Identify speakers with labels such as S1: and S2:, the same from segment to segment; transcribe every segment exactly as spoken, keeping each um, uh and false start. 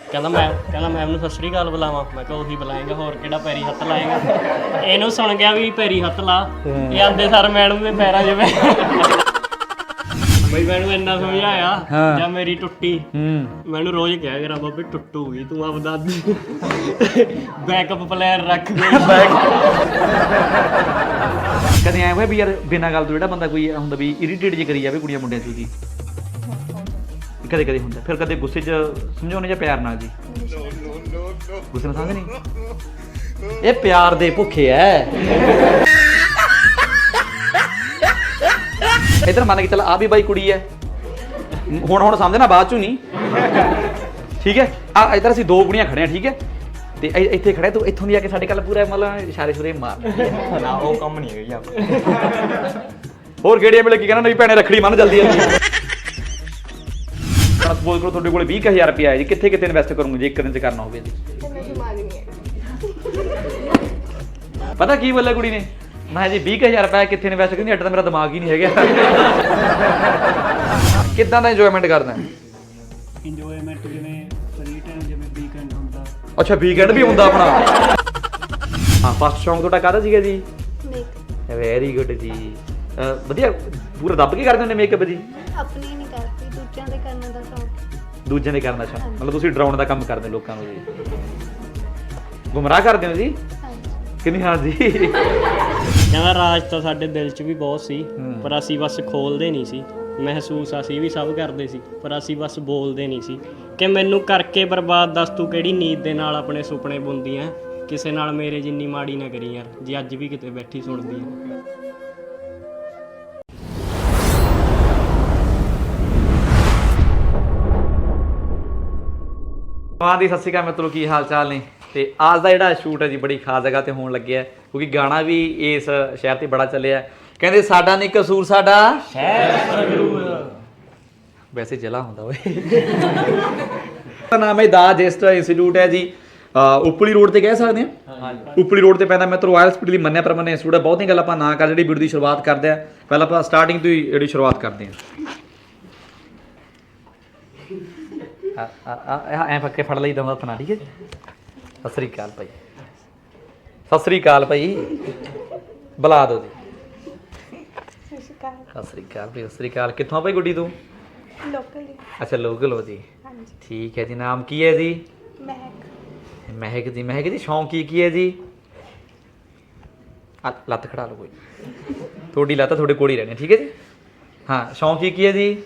S1: ਕਹਿੰਦਾ ਮੈਂ ਕਹਿੰਦਾ ਮੈਮ ਨੂੰ ਸਤਿ ਸ਼੍ਰੀ ਅਕਾਲ ਬੁਲਾਵਾਂ। ਮੈਂ ਕਿਹਾ ਉਹੀ ਬੁਲਾਏਗਾ, ਹੋਰ ਕਿਹੜਾ ਪੈਰੀ ਹੱਥ ਲਾਏਗਾ। ਇਹਨੂੰ ਸੁਣ ਗਿਆ ਵੀ ਪੈਰੀ ਹੱਥ ਲਾ, ਇਹ ਆਂਦੇ ਸਰ ਮੈਡਮ ਦੇ ਪੈਰਾਂ 'ਚ ਪੈ ਬਈ ਮੈਨੂੰ ਇੰਨਾ ਸਮਝਾਇਆ ਜਾਂ ਮੇਰੀ ਟੁੱਟੀ ਮੈਨੂੰ ਰੋਜ਼ ਕਿਹਾ ਕਰਾਂ ਬਾਬੇ ਟੁੱਟੂਗੀ ਤੂੰ ਆਪਦਾ ਬੈਕਅਪ ਪਲਾਨ ਰੱਖ ਦੇ।
S2: ਕਦੇ ਐਂ ਹੋਇਆ ਵੀ ਯਾਰ ਬਿਨਾਂ ਗੱਲ ਤੋਂ ਜਿਹੜਾ ਬੰਦਾ ਕੋਈ ਹੁੰਦਾ ਵੀ ਇਰੀਟੇਟ ਜੇ ਕਰੀ ਜਾਵੇ ਕੁੜੀਆਂ ਮੁੰਡਿਆਂ 'ਚ ਉਹਦੀ? ਕਦੇ ਕਦੇ ਹੁੰਦਾ, ਫਿਰ ਕਦੇ ਗੁੱਸੇ 'ਚ ਸਮਝਾਉਣੇ ਜਾਂ ਪਿਆਰ ਨਾਲ? ਜੀ ਗੁੱਸੇ ਨਾਲ ਸਮਝ ਨਹੀਂ, ਇਹ ਪਿਆਰ ਦੇ ਭੁੱਖੇ ਐ। ਇੱਧਰ ਮੰਨ ਕੇ ਚੱਲ ਆ ਵੀ ਬਾਈ ਕੁੜੀ ਐ, ਹੁਣ ਹੁਣ ਸਮਝਣਾ ਬਾਅਦ ਚੋਂ ਨਹੀਂ, ਠੀਕ ਹੈ? ਆ ਇੱਧਰ ਅਸੀਂ ਦੋ ਕੁੜੀਆਂ ਖੜੇ ਆ, ਠੀਕ ਹੈ? ਤੇ ਇੱਥੇ ਖੜੇ ਤੂੰ ਇੱਥੋਂ ਦੀ ਆ ਕੇ ਸਾਡੇ ਕੱਲ ਪੂਰਾ ਮਤਲਬ ਇਸ਼ਾਰੇ ਸ਼ੁਰੇ ਮਾਰ ਨਾ, ਉਹ ਕੰਮ ਨਹੀਂ ਹੈਗਾ ਜੀ। ਹੋਰ ਕਿਹੜੇ ਵੇਲੇ ਕੀ ਕਹਿਣਾ ਨਹੀਂ ਭੈਣੇ ਰੱਖੜੀ ਮੰਨ ਜਲਦੀ ਆ। ਸਪੋਜ਼ ਕਰੋ ਤੁਹਾਡੇ ਕੋਲ ਵੀਹ ਹਜ਼ਾਰ ਰੁਪਇਆ ਹੈ ਜੀ, ਕਿੱਥੇ ਕਿੱਥੇ ਇਨਵੈਸਟ ਕਰੋਗੇ ਜੇ ਇੱਕ ਦਿਨ 'ਚ ਕਰਨਾ ਹੋਵੇ ਜੀ? ਪਤਾ ਕੀ ਬੋਲਿਆ ਕੁੜੀ ਨੇ? ਮੈਂ ਜੀ ਵੀਹ ਹਜ਼ਾਰ ਰੁਪਇਆ ਕਿੱਥੇ ਇਨਵੈਸਟ ਕਰਨੀ, ਅੱਡ ਤਾਂ ਮੇਰਾ ਦਿਮਾਗ ਹੀ ਨਹੀਂ ਹੈਗਾ। ਕਿੱਦਾਂ ਦਾ ਇੰਜੋਇਮੈਂਟ ਕਰਦਾ?
S1: ਇੰਜੋਇਮੈਂਟ ਜਿਵੇਂ ਫ੍ਰੀ ਟਾਈਮ, ਜਿਵੇਂ ਵੀਕਐਂਡ ਹੁੰਦਾ।
S2: ਅੱਛਾ ਵੀਕਐਂਡ ਵੀ ਹੁੰਦਾ ਆਪਣਾ। ਹਾਂ, ਫਸਟ ਸ਼ੌਂਕ ਤੁਹਾਡਾ ਕਾਹਦਾ ਸੀਗਾ ਜੀ? ਮੇਕਅਪ। ਵੈਰੀ ਗੁੱਡ ਜੀ, ਵਧੀਆ ਪੂਰਾ ਦੱਬ ਕੇ ਕਰਦੇ ਹੁੰਦੇ ਮੇਕਅਪ ਜੀ?
S3: ਆਪਣੀ ਨਹੀਂ ਕਰਦੀ, ਦੂਜਿਆਂ ਦੇ ਕਰਨ ਦਾ ਸ਼ੌਂਕ।
S2: ਦੂਜਿਆਂ ਦੇ ਕਰਨ ਦਾ ਸ਼ੌਂਕ, ਮਤਲਬ ਤੁਸੀਂ ਡਰਾਉਣ ਦਾ ਕੰਮ ਕਰਦੇ ਲੋਕਾਂ ਨੂੰ ਜੀ, ਗੁੰਮਰਾਹ ਕਰਦੇ ਹੋ ਜੀ? ਕਿੰਨੀ? ਹਾਂ ਜੀ।
S1: ਕਹਿੰਦਾ ਰਾਜ ਤਾਂ ਸਾਡੇ ਦਿਲ 'ਚ ਵੀ ਬਹੁਤ ਸੀ, ਪਰ ਅਸੀਂ ਬਸ ਖੋਲਦੇ ਨਹੀਂ ਸੀ। ਮਹਿਸੂਸ ਅਸੀਂ ਵੀ ਸਭ ਕਰਦੇ ਸੀ, ਪਰ ਅਸੀਂ ਬਸ ਬੋਲਦੇ ਨਹੀਂ ਸੀ। ਕਿ ਮੈਨੂੰ ਕਰਕੇ ਬਰਬਾਦ ਦੱਸ ਤੂੰ ਕਿਹੜੀ ਨੀਂਦ ਦੇ ਨਾਲ ਆਪਣੇ ਸੁਪਨੇ ਬੁਣਦੀ ਐ, ਕਿਸੇ ਨਾਲ ਮੇਰੇ ਜਿੰਨੀ ਮਾੜੀ ਨਾ ਕਰੀ ਯਾਰ, ਜੇ ਅੱਜ ਵੀ ਕਿਤੇ ਬੈਠੀ ਸੁਣਦੀ ਐ।
S2: ਹਾਂ ਦੀ ਸਤਿ ਸ਼੍ਰੀ ਅਕਾਲ ਮਿੱਤਰੋ, ਕੀ ਹਾਲ ਚਾਲ ਨੇ? ਤੇ ਅੱਜ ਦਾ ਜਿਹੜਾ ਸ਼ੂਟ ਹੈ ਜੀ ਬੜੀ ਖਾਸ ਜਗ੍ਹਾ ਤੇ ਹੋਣ ਲੱਗਿਆ, ਕਿਉਂਕਿ ਗਾਣਾ ਵੀ ਇਸ ਸ਼ਹਿਰ ਤੇ ਬੜਾ ਚੱਲਿਆ। ਕਹਿੰਦੇ ਸਾਡਾ ਨਹੀਂ ਕਸੂਰ, ਸਾਡਾ ਸ਼ਹਿਰ ਸੰਗਰੂਰ। ਵੈਸੇ ਜ਼ਿਲ੍ਹਾ ਹੁੰਦਾ ਓਏ। ਦਾ ਨਾਮ ਹੈ ਦਾ ਜੈਸਟ ਇੰਸਟੀਚਿਊਟ ਹੈ ਜੀ, ਉਪਲੀ ਰੋਡ ਤੇ ਕਹਿ ਸਕਦੇ ਹਾਂ। ਉਪਲੀ ਰੋਡ ਤੇ ਪੈਂਦਾ ਮਿੱਤਰੋ। ਆਇਲਸ ਸਪੀਡ ਲਈ ਮੰਨਿਆ ਪ੍ਰਮੰਨਿਆ ਇੰਸਟੀਚਿਊਟ ਹੈ। ਬਹੁਤੀਆਂ ਗੱਲਾਂ ਆਪਾਂ ਨਾ ਕਰ ਜਿਹੜੀ ਵੀਡੀਓ ਦੀ ਸ਼ੁਰੂਆਤ ਕਰਦੇ ਆ, ਪਹਿਲਾਂ ਆਪਾਂ ਸਟਾਰਟਿੰਗ ਤੋਂ ਹੀ ਜਿਹੜੀ ਸ਼ੁਰੂਆਤ ਕਰਦੇ ਹਾਂ। ਐ ਪੱਕੇ ਫੜ ਲਈ ਦਮ ਆਪਣਾ, ਠੀਕ ਹੈ? ਸਤਿ ਸ੍ਰੀ ਅਕਾਲ ਭਾਈ, ਸਤਿ ਸ੍ਰੀ ਅਕਾਲ ਭਾਈ, ਬੁਲਾ ਦਿਓ ਜੀ। ਸਤਿ ਸ੍ਰੀ ਅਕਾਲ ਭਾਈ, ਸਤਿ ਸ੍ਰੀ ਅਕਾਲ। ਕਿੱਥੋਂ ਆ ਭਾਈ ਗੁੱਡੀ ਤੂੰ?
S3: ਲੋਕਲ।
S2: ਅੱਛਾ ਲੋਕਲ ਹੋ ਜੀ, ਠੀਕ ਹੈ ਜੀ। ਨਾਮ ਕੀ ਹੈ ਜੀ? ਮਹਿਕ। ਮਹਿਕ ਜੀ, ਮਹਿਕ ਜੀ ਸ਼ੌਂਕ ਕੀ ਕੀ ਹੈ ਜੀ? ਲੱਤ ਖੜਾ ਲਓ, ਕੋਈ ਤੁਹਾਡੀ ਲੱਤ ਤੁਹਾਡੇ ਕੋਲ ਹੀ ਰਹਿਣੀ, ਠੀਕ ਹੈ ਜੀ? ਹਾਂ, ਸ਼ੌਂਕ ਕੀ ਕੀ ਹੈ ਜੀ?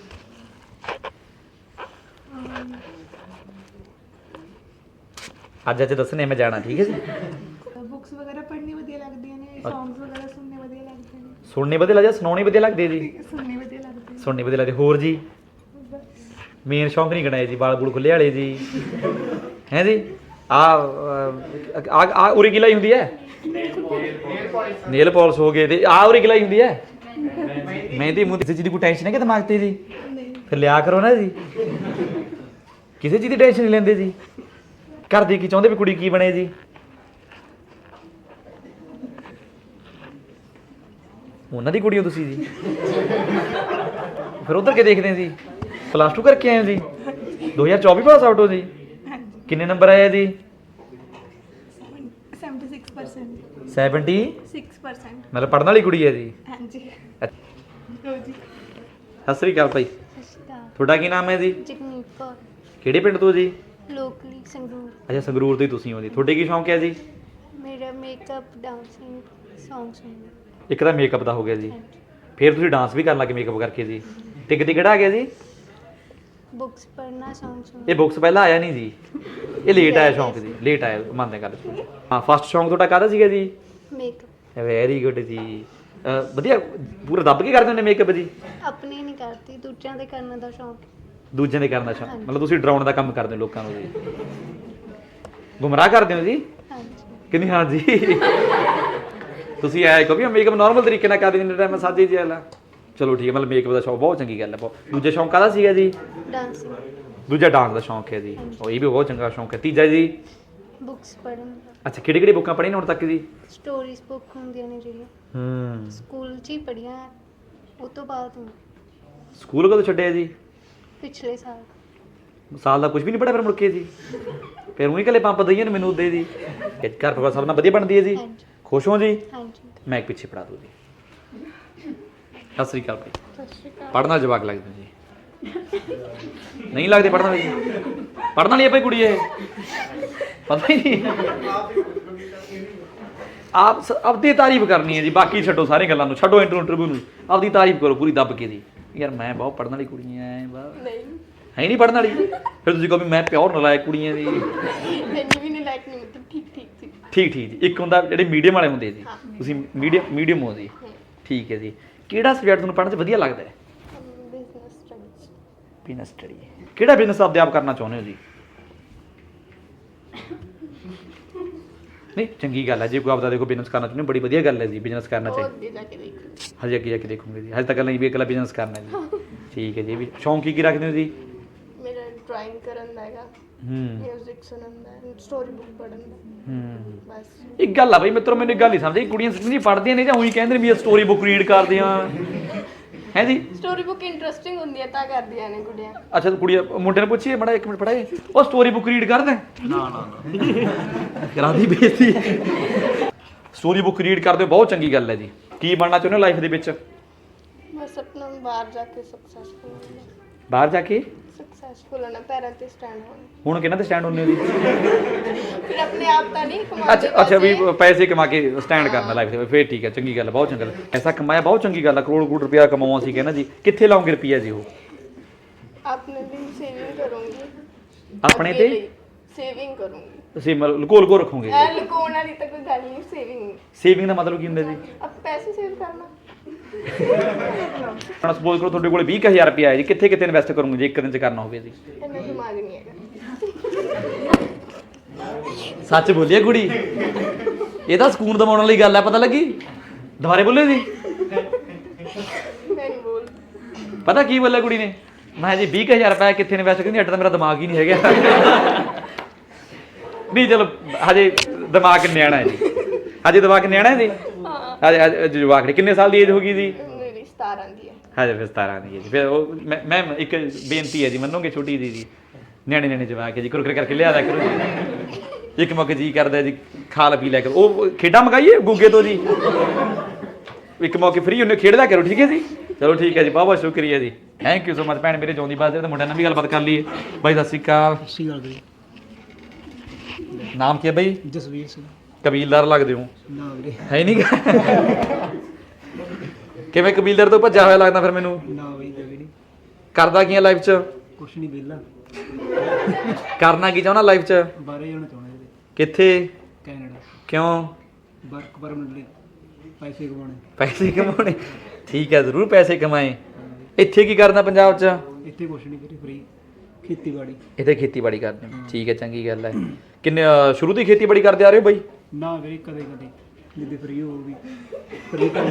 S2: ਅੱਜ ਅੱਜ ਦੱਸਣੇ ਮੈਂ ਜਾਣਾ, ਠੀਕ ਹੈ ਜੀ?
S3: ਬੁੱਕਸ ਵਗੈਰਾ ਪੜ੍ਹਨੀ ਵਧੀਆ ਲੱਗਦੀਆਂ ਨੇ, ਸੌਂਗਸ ਵਗੈਰਾ ਸੁਣਨੇ ਵਧੀਆ ਲੱਗਦੇ ਨੇ।
S2: ਸੁਣਨੇ ਵਧੀਆ ਲੱਗਦੇ, ਸੁਣਾਉਣੇ ਵਧੀਆ ਲੱਗਦੇ ਜੀ?
S3: ਸੁਣਨੇ ਵਧੀਆ ਲੱਗਦੇ।
S2: ਸੁਣਨੇ ਵਧੀਆ ਲੱਗਦੇ। ਹੋਰ ਜੀ? ਮੇਨ ਸ਼ੌਂਕ ਨਹੀਂ ਗਣਾਏ ਜੀ, ਵਾਲ ਬੂਲ ਖੁੱਲੇ ਵਾਲੇ ਜੀ, ਹੈ ਜੀ? ਆ ਆ ਉਰੀ ਗਿਲਾਈ ਹੁੰਦੀ ਹੈ, ਨੇਲ ਪਾਲਿਸ਼ ਹੋ ਗਏ, ਤੇ ਆ ਉਰੀ ਗਿਲਾਈ ਹੁੰਦੀ ਹੈ। ਮਹਿੰਦੀ ਮੂੰਹ, ਕਿਸੇ ਚੀਜ਼ ਦੀ ਕੋਈ ਟੈਨਸ਼ਨ ਹੈ ਕਿ ਦਿਮਾਗ ਤੇ ਜੀ? ਫਿਰ ਲਿਆ ਕਰੋ ਨਾ ਜੀ, ਕਿਸੇ ਚੀਜ਼ ਦੀ ਟੈਨਸ਼ਨ ਨਹੀਂ ਲੈਂਦੇ ਜੀ। ਘਰ ਦੀ ਕੀ ਚਾਹੁੰਦੇ ਵੀ ਕੁੜੀ ਕੀ ਬਣੇ ਜੀ? ਉਹਨਾਂ ਦੀ ਕੁੜੀ ਹੋ ਤੁਸੀਂ ਜੀ? ਫਿਰ ਉਧਰ ਕੀ ਦੇਖਦੇ ਆ ਜੀ? ਪਲੱਸ ਟੂ ਕਰਕੇ ਆਏ ਹੋ ਜੀ? ਦੋ ਹਜ਼ਾਰ ਚੌਵੀ ਪਾਸ ਆਊਟ ਹੋ ਜੀ? ਕਿੰਨੇ ਨੰਬਰ ਆਏ ਜੀ? Seventy six percent. ਮਤਲਬ ਪੜ੍ਹਨ ਵਾਲੀ ਕੁੜੀ ਹੈ ਜੀ? ਹਾਂਜੀ। ਸਤਿ ਸ੍ਰੀ ਅਕਾਲ ਭਾਈ, ਤੁਹਾਡਾ ਕੀ ਨਾਮ ਹੈ ਜੀ?
S3: ਜਗਨੀਤ ਕੌਰ।
S2: ਕਿਹੜੇ ਪਿੰਡ ਤੋਂ ਜੀ?
S3: ਲੋਕਲੀ ਸੰਗਰੂਰ।
S2: ਅੱਛਾ ਸੰਗਰੂਰ ਤੋਂ ਹੀ ਤੁਸੀਂ ਹੋ ਜੀ। ਤੁਹਾਡੇ ਕੀ ਸ਼ੌਂਕ ਹੈ ਜੀ?
S3: ਮੇਰਾ ਮੇਕਅਪ, ਡਾਂਸਿੰਗ, ਸੌਂਗ ਸੁਣਨਾ।
S2: ਇੱਕ ਤਾਂ ਮੇਕਅਪ ਦਾ ਹੋ ਗਿਆ ਜੀ, ਫਿਰ ਤੁਸੀਂ ਡਾਂਸ ਵੀ ਕਰਨ ਲੱਗੇ ਮੇਕਅਪ ਕਰਕੇ ਜੀ। ਤੇ ਕਿਤੇ ਕਿਹੜਾ ਆ ਗਿਆ ਜੀ?
S3: ਬੁੱਕਸ ਪੜ੍ਹਨਾ, ਸੌਂਗ ਸੁਣਨਾ।
S2: ਇਹ ਬੁੱਕਸ ਪਹਿਲਾਂ ਆਇਆ ਨਹੀਂ ਜੀ, ਇਹ ਲੇਟ ਆਇਆ ਸ਼ੌਂਕ ਜੀ, ਲੇਟ ਆਇਆ, ਮੰਨਦੇ ਗੱਲ। ਹਾਂ, ਫਸਟ ਸ਼ੌਂਕ ਤੁਹਾਡਾ ਕਾਹਦਾ ਸੀਗਾ ਜੀ? ਮੇਕਅਪ। ਵੈਰੀ ਗੁੱਡ ਜੀ, ਵਧੀਆ ਪੂਰਾ ਦੱਬ ਕੇ ਕਰਦੇ ਹੁੰਦੇ ਮੇਕਅਪ ਜੀ?
S3: ਆਪਣੀ ਨਹੀਂ ਕਰਦੀ, ਦੂਜਿਆਂ ਦੇ ਕਰਨ ਦਾ ਸ਼ੌਂਕ।
S2: ਦੂਜਿਆਂ ਦੇ ਕਰਨ ਦਾ ਸ਼ੌਂਕ, ਮਤਲਬ ਤੁਸੀਂ ਡਰਾਉਣ ਦਾ ਕੰਮ ਕਰਦੇ ਹੋ ਲੋਕਾਂ ਨੂੰ ਜੀ, ਗੁੰਮਰਾਹ ਕਰਦੇ ਹੋ ਜੀ? ਕਿੰਨੀ? ਹਾਂ ਜੀ। ਤੁਸੀਂ ਆਇਆ ਕਹੋ ਵੀ ਮੇਕਅਪ ਨੋਰਮਲ ਤਰੀਕੇ ਨਾਲ ਕਰਦੇ ਜਿੰਨੇ ਟਾਈਮ ਸਾਜੇ ਜੀ ਵਾਲਾ। ਚਲੋ ਠੀਕ ਹੈ, ਮਤਲਬ ਮੇਕਅਪ ਦਾ ਸ਼ੌਂਕ ਬਹੁਤ ਚੰਗੀ ਗੱਲ ਹੈ। ਬਹੁਤ। ਦੂਜਾ ਸ਼ੌਂਕ ਕਾਹਦਾ ਸੀਗਾ ਜੀ? ਡਾਂਸਿੰਗ। ਦੂਜਾ ਡਾਂਸ ਦਾ ਸ਼ੌਂਕ ਹੈ ਜੀ, ਉਹ ਇਹ ਵੀ ਬਹੁਤ ਚੰਗਾ ਸ਼ੌਂਕ ਹੈ। ਤੀਜਾ ਜੀ?
S3: ਬੁੱਕਸ ਪੜ੍ਹਨ।
S2: ਅੱਛਾ, ਕਿਹੜੀ ਕਿਹੜੀ ਬੁੱਕਾਂ ਪੜ੍ਹੀਆਂ ਹੁਣ ਤੱਕ ਜੀ?
S3: ਸਟੋਰੀਜ਼ ਬੁੱਕ ਹੁੰਦੀਆਂ ਨੇ ਜਿਹੜੀਆਂ,
S2: ਹੂੰ,
S3: ਸਕੂਲ 'ਚ ਹੀ ਪੜ੍ਹੀਆਂ, ਉਹ ਤੋਂ ਬਾਅਦ
S2: ਸਕੂਲ ਕਦੋਂ ਛੱਡਿਆ ਜੀ?
S3: ਪਿਛਲੇ ਸਾਲ।
S2: ਸਾਲ ਦਾ ਕੁਝ ਵੀ ਨਹੀਂ ਪੜਿਆ ਫਿਰ ਮੁੜ ਕੇ ਜੀ? ਫਿਰ ਉਹੀ ਕੱਲੇ ਪੰਪ ਦਈਏ ਨੇ ਮੈਨੂੰ ਉਦੇ ਜੀ। ਘਰ ਪਰਿਵਾਰ ਸਭ ਨਾਲ ਵਧੀਆ ਬਣਦੀ ਹੈ ਜੀ?
S3: ਹਾਂਜੀ
S2: ਖੁਸ਼ ਹੋ ਜੀ?
S3: ਹਾਂਜੀ
S2: ਮੈਂ ਇੱਕ ਪਿੱਛੇ ਪੜਾ ਦੂ ਜੀ। ਸਤਿ ਸ੍ਰੀ ਅਕਾਲ ਭਾਈ।
S3: ਸਤਿ ਸ਼੍ਰੀ ਅਕਾਲ।
S2: ਪੜ੍ਹਨ ਵਾਲੇ ਜਵਾਕ ਲੱਗਦੇ ਜੀ? ਨਹੀਂ ਲੱਗਦੇ ਪੜ੍ਹਨ ਵਾਲੇ? ਪੜ੍ਹਨ ਵਾਲੀ ਹੈ ਭਾਈ ਕੁੜੀ ਇਹ? ਪਤਾ ਹੀ ਨਹੀਂ। ਆਪ ਸ- ਆਪਦੀ ਤਾਰੀਫ ਕਰਨੀ ਹੈ ਜੀ, ਬਾਕੀ ਛੱਡੋ ਸਾਰੀਆਂ ਗੱਲਾਂ ਨੂੰ, ਛੱਡੋ ਇੰਟਰਵਿਊ ਨੂੰ, ਆਪਦੀ ਤਾਰੀਫ ਕਰੋ ਪੂਰੀ ਦੱਬ ਕੇ ਜੀ। ਯਾਰ ਮੈਂ ਬਹੁਤ ਪੜ੍ਹਨ ਵਾਲੀ ਕੁੜੀ ਐ ਬਾ
S3: ਨਹੀਂ
S2: ਹੈ ਨਹੀਂ ਪੜ੍ਹਨ ਵਾਲੀ? ਫਿਰ ਤੁਸੀਂ ਕਹੋ ਵੀ ਮੈਂ ਪਿਓਰ ਨਲਾਇਕ ਕੁੜੀਆਂ ਦੀ।
S3: ਇੰਨੀ ਵੀ ਨਹੀਂ ਲਾਈਕ ਨਹੀਂ, ਮਤਲਬ ਠੀਕ ਠੀਕ ਸੀ।
S2: ਠੀਕ ਠੀਕ ਜੀ। ਇੱਕ ਹੁੰਦਾ ਜਿਹੜੇ ਮੀਡੀਅਮ ਵਾਲੇ ਹੁੰਦੇ ਜੀ,
S3: ਹਾਂ।
S2: ਤੁਸੀਂ ਮੀਡੀਅਮ ਮੀਡੀਅਮ ਹੋ ਜੀ। ਠੀਕ ਹੈ ਜੀ। ਕਿਹੜਾ ਸਬਜੈਕਟ ਤੁਹਾਨੂੰ ਪੜ੍ਹਨ 'ਚ ਵਧੀਆ ਲੱਗਦਾ ਹੈ?
S3: Business studies.
S2: Business study. ਕਿਹੜਾ ਬਿਜ਼ਨਸ ਆਪਦੇ ਆਪ ਕਰਨਾ ਚਾਹੁੰਦੇ ਹੋ ਜੀ? ਨਹੀਂ ਚੰਗੀ ਗੱਲ ਹੈ ਜੇ ਕੋਈ ਆਪਦਾ ਦੇਖੋ ਬਿਜ਼ਨਸ ਕਰਨਾ ਚਾਹੁੰਦੇ ਹੋ, ਬੜੀ ਵਧੀਆ ਗੱਲ ਹੈ ਜੀ, ਬਿਜ਼ਨਸ ਕਰਨਾ
S3: ਉਹ
S2: ਚਾਹੀਦਾ।
S3: ਅੱਗੇ ਜਾ ਕੇ ਦੇਖੋ।
S2: ਹਜੇ ਅੱਗੇ ਜਾ ਕੇ ਦੇਖੂੰਗੇ ਜੀ, ਹਜੇ ਤੱਕ ਨਹੀਂ ਵੀ ਇਕੱਲਾ ਬਿਜ਼ਨਸ ਕਰਨਾ ਜੀ। ਠੀਕ ਹੈ ਜੀ। ਵੀ ਸ਼ੌਂਕ ਕੀ ਕੀ ਰੱਖਦੇ ਹੋ ਜੀ?
S3: ਮੇਰਾ ਡਰਾਇੰਗ ਕਰਨ ਦਾ ਹੈਗਾ,
S2: ਹੂੰ
S3: ਮਿਊਜ਼ਿਕ ਸੁਣਨ ਦਾ, ਸਟੋਰੀ ਬੁੱਕ ਪੜ੍ਹਨ ਦਾ,
S2: ਹੂੰ
S3: ਬਸ।
S2: ਇੱਕ ਗੱਲ ਆ ਬਈ ਮਿੱਤਰੋ, ਮੈਨੂੰ ਇੱਕ ਗੱਲ ਨਹੀਂ ਸਮਝ ਆਈ, ਕੁੜੀਆਂ ਸੱਚੀ ਪੜ੍ਹਦੀਆਂ ਨੇ ਜਾਂ ਉਹੀ ਕਹਿੰਦੇ ਨੇ ਵੀ ਇਹ ਸਟੋਰੀ ਬੁੱਕ ਰੀਡ ਕਰਦੇ ਆ ਹੈ ਜੀ?
S3: ਸਟੋਰੀ ਬੁੱਕ ਇੰਟਰਸਟਿੰਗ ਹੁੰਦੀ ਹੈ ਤਾਂ ਕਰਦੀਆਂ ਨੇ ਕੁੜੀਆਂ।
S2: ਅੱਛਾ ਤੂੰ ਕੁੜੀ ਮੁੰਡੇ ਨੂੰ ਪੁੱਛੀਏ ਮੜਾ ਇੱਕ ਮਿੰਟ ਪੜਾਏ, ਉਹ ਸਟੋਰੀ ਬੁੱਕ ਰੀਡ ਕਰਦਾ? ਨਾ ਨਾ ਕਰਾਦੀ ਬੇਇੱਜ਼ਤੀ। ਸਟੋਰੀ ਬੁੱਕ ਰੀਡ ਕਰਦੇ ਹੋ, ਬਹੁਤ ਚੰਗੀ ਗੱਲ ਹੈ ਜੀ। ਕੀ ਬਣਨਾ ਚਾਹੁੰਦੇ ਹੋ ਲਾਈਫ ਦੇ ਵਿੱਚ?
S3: ਬਸ ਆਪਣਾ ਬਾਹਰ ਜਾ ਕੇ ਸਕਸੈਸਫੁਲ ਹੋਣਾ।
S2: ਬਾਹਰ ਜਾ ਕੇ
S3: ਸਕਸੈਸਫੁਲ ਹੋਣਾ, ਪੈਰਾਂ ਤੇ ਸਟੈਂਡ ਹੋਣਾ।
S2: ਹੁਣ ਕਿਹਨਾਂ ਤੇ ਸਟੈਂਡ ਹੁੰਦੇ ਹੋ ਜੀ?
S3: ਫਿਰ ਆਪਣੇ ਆਪ ਤਾਂ ਨਹੀਂ ਕਮਾਉਂਦੇ।
S2: ਅੱਛਾ ਅੱਛਾ ਵੀ ਪੈਸੇ ਕਮਾ ਕੇ ਸਟੈਂਡ ਕਰਨਾ ਲਾਈਫ ਦੇ ਵਿੱਚ, ਫਿਰ ਠੀਕ ਹੈ, ਚੰਗੀ ਗੱਲ ਹੈ, ਬਹੁਤ ਚੰਗੀ ਗੱਲ। ਪੈਸਾ ਕਮਾਇਆ ਬਹੁਤ ਚੰਗੀ ਗੱਲ ਹੈ, ਕਰੋੜ ਕਰੋੜ ਰੁਪਇਆ ਕਮਾਉਣਾ ਸੀ ਕਹਿੰਦਾ ਜੀ। ਕਿੱਥੇ ਲਾਉਂਗੇ ਰੁਪਈਆ ਜੀ? ਉਹ
S3: ਆਪਣੇ ਲਈ ਸੇਵਿੰਗ ਕਰੂੰਗੀ।
S2: ਆਪਣੇ ਤੇ
S3: ਸੇਵਿੰਗ ਕਰੂੰਗੀ।
S2: ਤੁਸੀਂ ਮਤਲਬ ਲੁਕੋ ਲੁਕੋ ਰੱਖੋਗੇ?
S3: ਐ ਲੁਕਾਉਣ ਵਾਲੀ ਤਾਂ ਕੋਈ ਗੱਲ ਨਹੀਂ, ਸੇਵਿੰਗ।
S2: ਸੇਵਿੰਗ ਦਾ ਮਤਲਬ ਕੀ ਹੁੰਦਾ ਜੀ?
S3: ਅਬ ਪੈਸੇ ਸੇਵ ਕਰਨਾ।
S2: ਹੁਣ ਸਪੋਜ਼ ਕਰੋ ਤੁਹਾਡੇ ਕੋਲ ਵੀਹ ਹਜ਼ਾਰ ਰੁਪਇਆ ਹੈ ਜੀ, ਕਿੱਥੇ ਕਿੱਥੇ ਇਨਵੈਸਟ ਕਰੋਗੇ ਜੇ ਇੱਕ ਦਿਨ ਚ ਕਰਨਾ ਹੋਵੇ ਜੀ?
S3: ਇੰਨਾ ਦਿਮਾਗ ਨਹੀਂ ਹੈਗਾ।
S2: ਸੱਚ ਬੋਲੀਏ ਕੁੜੀ, ਇਹ ਤਾਂ ਸਕੂਨ ਦਿਵਾਉਣ ਵਾਲੀ ਗੱਲ ਹੈ, ਪਤਾ ਲੱਗੀ? ਦੁਬਾਰੇ ਬੋਲੇ ਜੀ?
S3: ਮੈਂ ਨਹੀਂ ਬੋਲ।
S2: ਪਤਾ ਕੀ ਬੋਲਿਆ ਕੁੜੀ ਨੇ? ਮੈਂ ਜੀ ਵੀਹ ਹਜ਼ਾਰ ਰੁਪਇਆ ਕਿੱਥੇ ਇਨਵੈਸਟ ਕਰਨੀ, ਅੱਡ ਤਾਂ ਮੇਰਾ ਦਿਮਾਗ ਹੀ ਨਹੀਂ ਹੈਗਾ। ਨਹੀਂ ਚਲੋ ਹਜੇ ਦਿਮਾਗ ਨਿਆਣਾ ਹੈ ਜੀ, ਹਜੇ ਦਿਮਾਗ ਨਿਆਣਾ ਹੈ ਜੀ। ਹਜੇ ਹਜੇ ਜਵਾਕ ਕਿੰਨੇ ਸਾਲ ਦੀ ਏਜ ਹੋ ਗਈ ਜੀ?
S3: ਮੇਰੀ ਸਤਾਰਾਂ ਦੀ ਹੈ।
S2: ਹਜੇ ਫਿਰ ਸਤਾਰਾਂ ਦੀ ਏਜ। ਫਿਰ ਉਹ ਮੈਂ ਮੈਂ ਇੱਕ ਬੇਨਤੀ ਹੈ ਜੀ, ਮੰਨੋਗੇ ਛੋਟੀ ਜੀ ਜੀ, ਨਿਆਣੇ ਨਿਆਣੇ ਜਵਾਕ ਹੈ ਜੀ, ਕੁਰਕਰੇ ਕਰਕੇ ਲਿਆ ਦਿਆ ਕਰੋ ਜੀ। ਇੱਕ ਮੌਕੇ ਜੀ ਕਰਦਾ ਜੀ ਖਾ ਲ ਪੀ ਲਿਆ ਕਰੋ, ਉਹ ਖੇਡਾਂ ਮੰਗਾਈਏ ਗੁੱਗੇ ਤੋਂ ਜੀ, ਇੱਕ ਮੌਕੇ ਫ੍ਰੀ ਹੁੰਦੇ ਖੇਡ ਲਿਆ ਕਰੋ, ਠੀਕ ਹੈ ਜੀ? ਚਲੋ ਠੀਕ ਹੈ ਜੀ, ਬਹੁਤ ਬਹੁਤ ਸ਼ੁਕਰੀਆ ਜੀ, ਥੈਂਕ ਯੂ ਸੋ ਮਚ। ਭੈਣ ਮੇਰੇ ਜਿਉਂਦੀ ਬਾਤ ਤੇ ਮੁੰਡਿਆਂ ਨਾਲ ਵੀ ਗੱਲਬਾਤ ਕਰ ਲਈਏ। ਬਾਈ ਸਤਿ ਸ਼੍ਰੀ ਅਕਾਲ।
S4: ਸਤਿ ਸ਼੍ਰੀ ਅਕਾਲ ਬਈ।
S2: ਨਾਮ ਕੀ ਹੈ ਬਾਈ?
S4: ਜਸਵੀਰ ਸਿੰਘ।
S2: ਕਬੀਲਦਾਰ ਲੱਗਦੇ ਹੋ?
S4: ਨਾ ਵੀਰੇ।
S2: ਹੈ ਨਹੀਂ ਕਿਵੇਂ ਕਬੀਲਦਾਰ ਤੋਂ ਭੱਜਿਆ ਹੋਇਆ ਲੱਗਦਾ ਫਿਰ ਮੈਨੂੰ?
S4: ਨਾ ਬਈ ਜਵੀ ਨਹੀਂ।
S2: ਕਰਦਾ ਕੀ ਹੈ ਲਾਈਫ 'ਚ?
S4: ਕੁਛ ਨਹੀਂ ਵਿਹਲਾ।
S2: ਕਰਨਾ ਕੀ ਚਾਹੁੰਦਾ ਲਾਈਫ 'ਚ?
S4: ਬਾਹਰੇ ਜਾਣਾ ਚਾਹੁੰਦਾ ਵੀਰੇ।
S2: ਕਿੱਥੇ?
S4: ਕੈਨੇਡਾ।
S2: ਕਿਉਂ?
S4: ਵਰਕ ਪਰਮਿਟ ਲਈ ਪੈਸੇ ਕਮਾਉਣੇ।
S2: ਪੈਸੇ ਕਮਾਉਣੇ? ਠੀਕ ਹੈ, ਜ਼ਰੂਰ ਪੈਸੇ ਕਮਾਏ। ਇੱਥੇ ਕੀ ਕਰਦਾ ਪੰਜਾਬ 'ਚ?
S4: ਇੱਥੇ ਕੁਛ ਨਹੀਂ ਵੀਰੇ, ਫ੍ਰੀ ਖੇਤੀਬਾੜੀ।
S2: ਇੱਥੇ ਖੇਤੀਬਾੜੀ ਕਰਦੇ ਹੋ? ਠੀਕ ਹੈ, ਚੰਗੀ ਗੱਲ ਹੈ। ਕਿੰਨੇ ਅਹ ਸ਼ੁਰੂ ਤੋਂ ਹੀ ਖੇਤੀਬਾੜੀ ਕਰਦੇ ਆ ਰਹੇ ਹੋ ਬਾਈ?
S4: ਨਾ ਵੀਰੇ ਕਦੇ ਕਦੇ ਜਿੱਦੇ ਫ੍ਰੀ ਹੋਊਗੀ ਫ੍ਰੀ ਕਰ।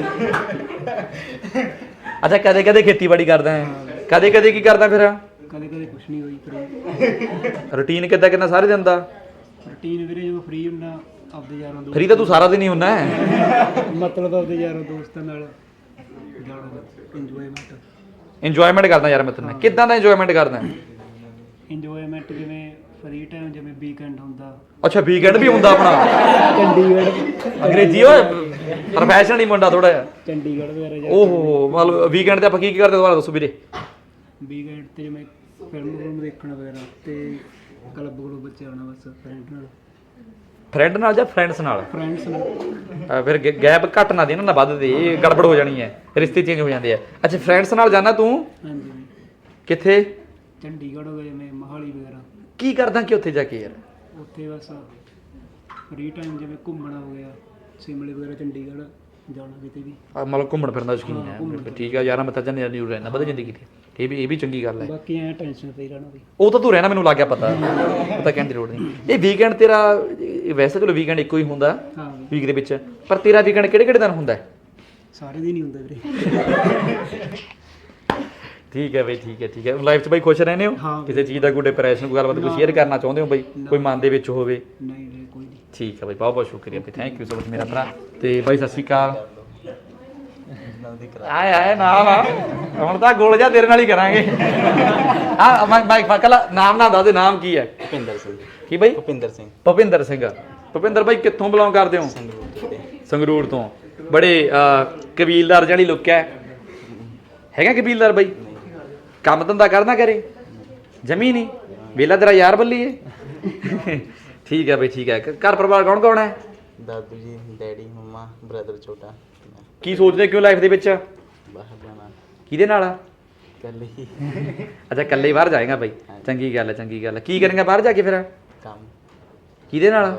S2: ਅੱਛਾ, ਕਦੇ ਕਦੇ ਖੇਤੀਬਾੜੀ ਕਰਦਾ ਹੈ, ਕਦੇ ਕਦੇ ਕੀ ਕਰਦਾ ਫਿਰ?
S4: ਕਦੇ ਕਦੇ ਕੁਛ ਨਹੀਂ ਹੋਈ ਫ੍ਰੀ।
S2: ਰੂਟੀਨ ਕਿੱਦਾਂ ਕਿੰਨਾ ਸਾਰੇ ਦਿਨ ਦਾ?
S4: ਰੂਟੀਨ ਵੀਰੇ ਜਦੋਂ ਫ੍ਰੀ ਹੁੰਦਾ ਆਪਦੇ ਯਾਰਾਂ ਦੋਸਤ।
S2: ਫਰੀ ਤਾਂ ਤੂੰ ਸਾਰਾ ਦਿਨ ਹੀ ਹੁੰਦਾ ਹੈ।
S4: ਮਤਲਬ ਆਪਦੇ ਯਾਰਾਂ ਦੋਸਤਾਂ ਨਾਲ ਜਾਣਾ, ਇੰਜੋਏਮੈਂਟ।
S2: ਇੰਜੋਇਮੈਂਟ ਕਰਦਾ ਯਾਰ ਮੈਂ ਤੈਨੂੰ ਕਿੱਦਾਂ ਦਾ ਇੰਜੋਇਮੈਂਟ ਕਰਦਾ?
S4: ਇੰਜੋਏਮੈਂਟ ਜਿਵੇਂ ਫ੍ਰੀ ਟਾਈਮ, ਜਿਵੇਂ ਵੀਕਐਂਡ ਹੁੰਦਾ।
S2: ਅੱਛਾ, ਵੀਕਐਂਡ ਵੀ ਹੁੰਦਾ ਆਪਣਾ?
S4: ਚੰਡੀਗੜ੍ਹ।
S2: ਅੰਗਰੇਜ਼ੀ ਓਏ, ਪ੍ਰੋਫੈਸ਼ਨਲ ਹੀ ਮੁੰਡਾ ਥੋੜਾ ਜਿਹਾ।
S4: ਚੰਡੀਗੜ੍ਹ ਵਗੈਰਾ ਜਾ।
S2: ਓਹੋ, ਮਤਲਬ ਵੀਕਐਂਡ ਤੇ ਆਪਾਂ ਕੀ ਕੀ ਕਰਦੇ ਦੁਬਾਰਾ ਦੱਸੋ ਵੀਰੇ?
S4: ਵੀਕਐਂਡ ਤੇ ਜਿਵੇਂ ਫਿਲਮ ਫਿਲਮ ਦੇਖਣਾ ਵਗੈਰਾ ਤੇ ਕਲੱਬ ਕਲੱਬ ਚ ਆਉਣਾ, ਬਸ ਫਰੈਂਡ ਨਾਲ।
S2: ਫਰੈਂਡ ਨਾਲ ਜਾਂ ਫਰੈਂਡਸ ਨਾਲ?
S4: ਫਰੈਂਡਸ ਨਾਲ।
S2: ਅਹ ਫਿਰ ਗੈਪ ਘੱਟ ਨਾ ਦੇ ਨਾ, ਨਾ ਵੱਧ ਦੇ, ਇਹ ਗੜਬੜ ਹੋ ਜਾਣੀ ਹੈ, ਰਿਸ਼ਤੇ ਚੇਂਜ ਹੋ ਜਾਂਦੇ ਆ। ਅੱਛਾ, ਫਰੈਂਡਸ ਨਾਲ ਜਾਣਾ ਤੂੰ?
S4: ਹਾਂਜੀ।
S2: ਕਿੱਥੇ?
S4: ਚੰਡੀਗੜ੍ਹ ਹੋ ਗਿਆ, ਜਿਵੇਂ ਮੋਹਾਲੀ ਵਗੈਰਾ।
S2: ਕੀ ਕਰਦਾ ਕਿ ਉੱਥੇ ਜਾ ਕੇ ਯਾਰ?
S4: ਉੱਥੇ ਬਸ ਫ੍ਰੀ ਟਾਈਮ ਜਿਵੇਂ ਘੁੰਮਣਾ ਹੋ ਗਿਆ, ਸ਼ਿਮਲੇ ਵਗੈਰਾ, ਚੰਡੀਗੜ੍ਹ ਜਾਣਾ ਕਿਤੇ ਵੀ।
S2: ਆਹ ਮਤਲਬ ਘੁੰਮਣ ਫਿਰਨ ਦਾ ਸ਼ੌਕੀਨ
S4: ਹਾਂ,
S2: ਹੈ।
S4: ਘੁੰਮਣ
S2: ਬਿਲਕੁਲ ਠੀਕ ਆ ਯਾਰ, ਮੈਂ ਤਾਂ ਜਨ ਨਿਊ ਰਹਿਣਾ ਵਧੀ ਜ਼ਿੰਦਗੀ ਤੇ, ਇਹ ਵੀ ਇਹ ਵੀ ਚੰਗੀ ਗੱਲ ਹੈ।
S4: ਬਾਕੀ ਐ ਟੈਨਸ਼ਨ ਫ੍ਰੀ ਰਹਿਣਾ ਵੀ।
S2: ਉਹ ਤਾਂ ਤੂੰ ਰਹਿਣਾ, ਮੈਨੂੰ ਲੱਗ ਗਿਆ ਪਤਾ, ਉਹ ਤਾਂ ਕਹਿਣ ਦੀ ਲੋੜ ਨਹੀਂ। ਇਹ ਵੀਕਐਂਡ ਤੇਰਾ ਇਹ ਵੈਸੇ ਚਲੋ ਵੀਕਐਂਡ ਇੱਕੋ ਹੀ ਹੁੰਦਾ
S4: ਹਾਂ ਵੀ,
S2: ਵੀਕ ਦੇ ਵਿੱਚ, ਪਰ ਤੇਰਾ ਵੀਕਐਂਡ ਕਿਹੜੇ ਕਿਹੜੇ ਦਿਨ ਹੁੰਦਾ ਹੈ?
S4: ਸਾਰੇ ਦਿਨ ਹੀ ਹੁੰਦਾ ਵੀਰੇ।
S2: ਠੀਕ ਹੈ ਬਈ, ਠੀਕ ਹੈ ਠੀਕ ਹੈ। ਲਾਈਫ 'ਚ ਬਈ ਖੁਸ਼ ਰਹਿੰਦੇ ਹੋ?
S4: ਹਾਂ।
S2: ਕਿਸੇ ਚੀਜ਼ ਦਾ ਕੋਈ ਡਿਪਰੈਸ਼ਨ ਕੋਈ ਗੱਲਬਾਤ ਕੋਈ ਸ਼ੇਅਰ ਕਰਨਾ ਚਾਹੁੰਦੇ ਹੋ ਬਈ, ਕੋਈ ਮਨ ਦੇ ਵਿੱਚ ਹੋਵੇ?
S4: ਨਹੀਂ ਵੀਰੇ, ਕੋਈ ਨਹੀਂ।
S2: ਠੀਕ ਹੈ ਬਈ, ਬਹੁਤ ਬਹੁਤ ਸ਼ੁਕਰੀਆ ਬਈ, ਥੈਂਕ ਯੂ ਸੋ ਮਚ ਮੇਰਾ ਭਰਾ। ਤੇ ਬਾਈ ਸਤਿ ਸ਼੍ਰੀ ਅਕਾਲ। ਆਏ ਆਏ ਨਾਮ ਆ ਹੁਣ ਤਾਂ ਗੋਲ ਜਾ ਤੇਰੇ ਨਾਲ ਹੀ ਕਰਾਂਗੇ ਆ ਮੈਂ ਮੈਂ ਫਕਲਾ ਨਾਮ ਨਾ ਦੱਸ ਦੇ ਨਾਮ ਕੀ ਹੈ
S5: ਭੁਪਿੰਦਰ ਸਿੰਘ
S2: ਕੀ ਬਈ
S5: ਭੁਪਿੰਦਰ ਸਿੰਘ
S2: ਭੁਪਿੰਦਰ ਸਿੰਘ ਭੁਪਿੰਦਰ ਬਾਈ ਕਿੱਥੋਂ ਬਿਲੋਂਗ ਕਰਦੇ ਹੋ
S5: ਸੰਗਰੂਰ ਤੋਂ
S2: ਸੰਗਰੂਰ ਤੋਂ ਬੜੇ ਅਹ, ਕਬੀਲਦਾਰ ਜਿਹੜੀ ਲੁੱਕ ਹੈ ਹੈਗਾ ਕਬੀਲਦਾਰ ਬਾਈ ਕੰਮ ਧੰਦਾ ਕਰਨਾ ਕਰੇ ਜਮੀ ਨਹੀਂ ਵੇਲਾ ਤੇਰਾ ਯਾਰ ਬੱਲੀ ਏ ਠੀਕ ਹੈ ਬਈ ਠੀਕ ਹੈ ਘ- ਘਰ ਪਰਿਵਾਰ ਕੌਣ ਕੌਣ ਹੈ
S5: ਦਾਦੂ ਜੀ ਡੈਡੀ ਮੰਮਾ ਬ੍ਰਦਰ ਛੋਟਾ ਮੈਂ
S2: ਕੀ ਸੋਚਦੇ ਕਿਉਂ ਲਾਈਫ ਦੇ ਵਿੱਚ
S5: ਬਾਹਰ ਜਾਣਾ
S2: ਕਿਹਦੇ ਨਾਲ
S5: ਕੱਲ ਹੀ
S2: ਅੱਛਾ ਇਕੱਲੇ ਹੀ ਬਾਹਰ ਜਾਏਗਾ ਬਾਈ ਚੰਗੀ ਗੱਲ ਹੈ ਚੰਗੀ ਗੱਲ ਹੈ ਕੀ ਕਰੇਗਾ ਬਾਹਰ ਜਾ ਕੇ ਫਿਰ
S5: ਕੰਮ
S2: ਕਿਹਦੇ ਨਾਲ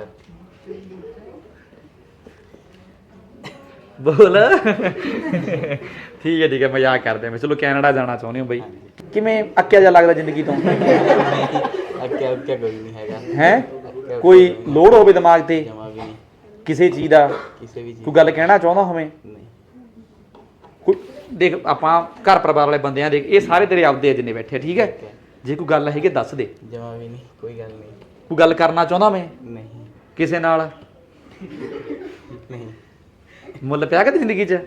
S2: ਬੋਲ ਠੀਕ ਹੈ ਠੀਕ ਹੈ ਮਜ਼ਾਕ ਕਰਦੇ ਮੈਂ ਚਲੋ ਕੈਨੇਡਾ ਜਾਣਾ ਚਾਹੁੰਦੇ ਹੋ ਬਈ ਕਿਵੇਂ ਅੱਕਿਆ ਜਾ ਲੱਗਦਾ ਜ਼ਿੰਦਗੀ ਤੋਂ
S5: ਅੱਗੇ ਅੱਗੇ ਕੋਈ ਨਹੀਂ ਹੈਗਾ
S2: ਹੈ ਕੋਈ ਲੋੜ ਹੋਵੇ ਦਿਮਾਗ ਤੇ
S5: ਜਮਾ ਵੀ ਨਹੀਂ
S2: ਕਿਸੇ ਚੀਜ਼ ਦਾ
S5: ਕਿਸੇ ਵੀ ਚੀਜ਼
S2: ਕੋਈ ਗੱਲ ਕਹਿਣਾ ਚਾਹੁੰਦਾ ਹੋਵੇਂ
S5: ਨਹੀਂ
S2: ਕੋਈ ਦੇਖ ਆਪਾਂ ਘਰ ਪਰਿਵਾਰ ਵਾਲੇ ਬੰਦੇ ਆ ਦੇਖ ਇਹ ਸਾਰੇ ਤੇਰੇ ਆਪਦੇ ਆ ਜਿੰਨੇ ਬੈਠੇ ਆ, ਠੀਕ ਹੈ ਜੇ ਕੋਈ ਗੱਲ ਹੈਗੀ ਦੱਸ ਦੇ
S5: ਜਮਾ ਵੀ ਨਹੀਂ ਕੋਈ ਗੱਲ ਨਹੀਂ
S2: ਕੋਈ ਗੱਲ ਕਰਨਾ ਚਾਹੁੰਦਾ ਮੈਂ
S5: ਨਹੀਂ
S2: ਕਿਸੇ ਨਾਲ
S5: ਨਹੀਂ
S2: ਮੁੱਲ ਪਿਆ ਕਦੇ ਜ਼ਿੰਦਗੀ 'ਚ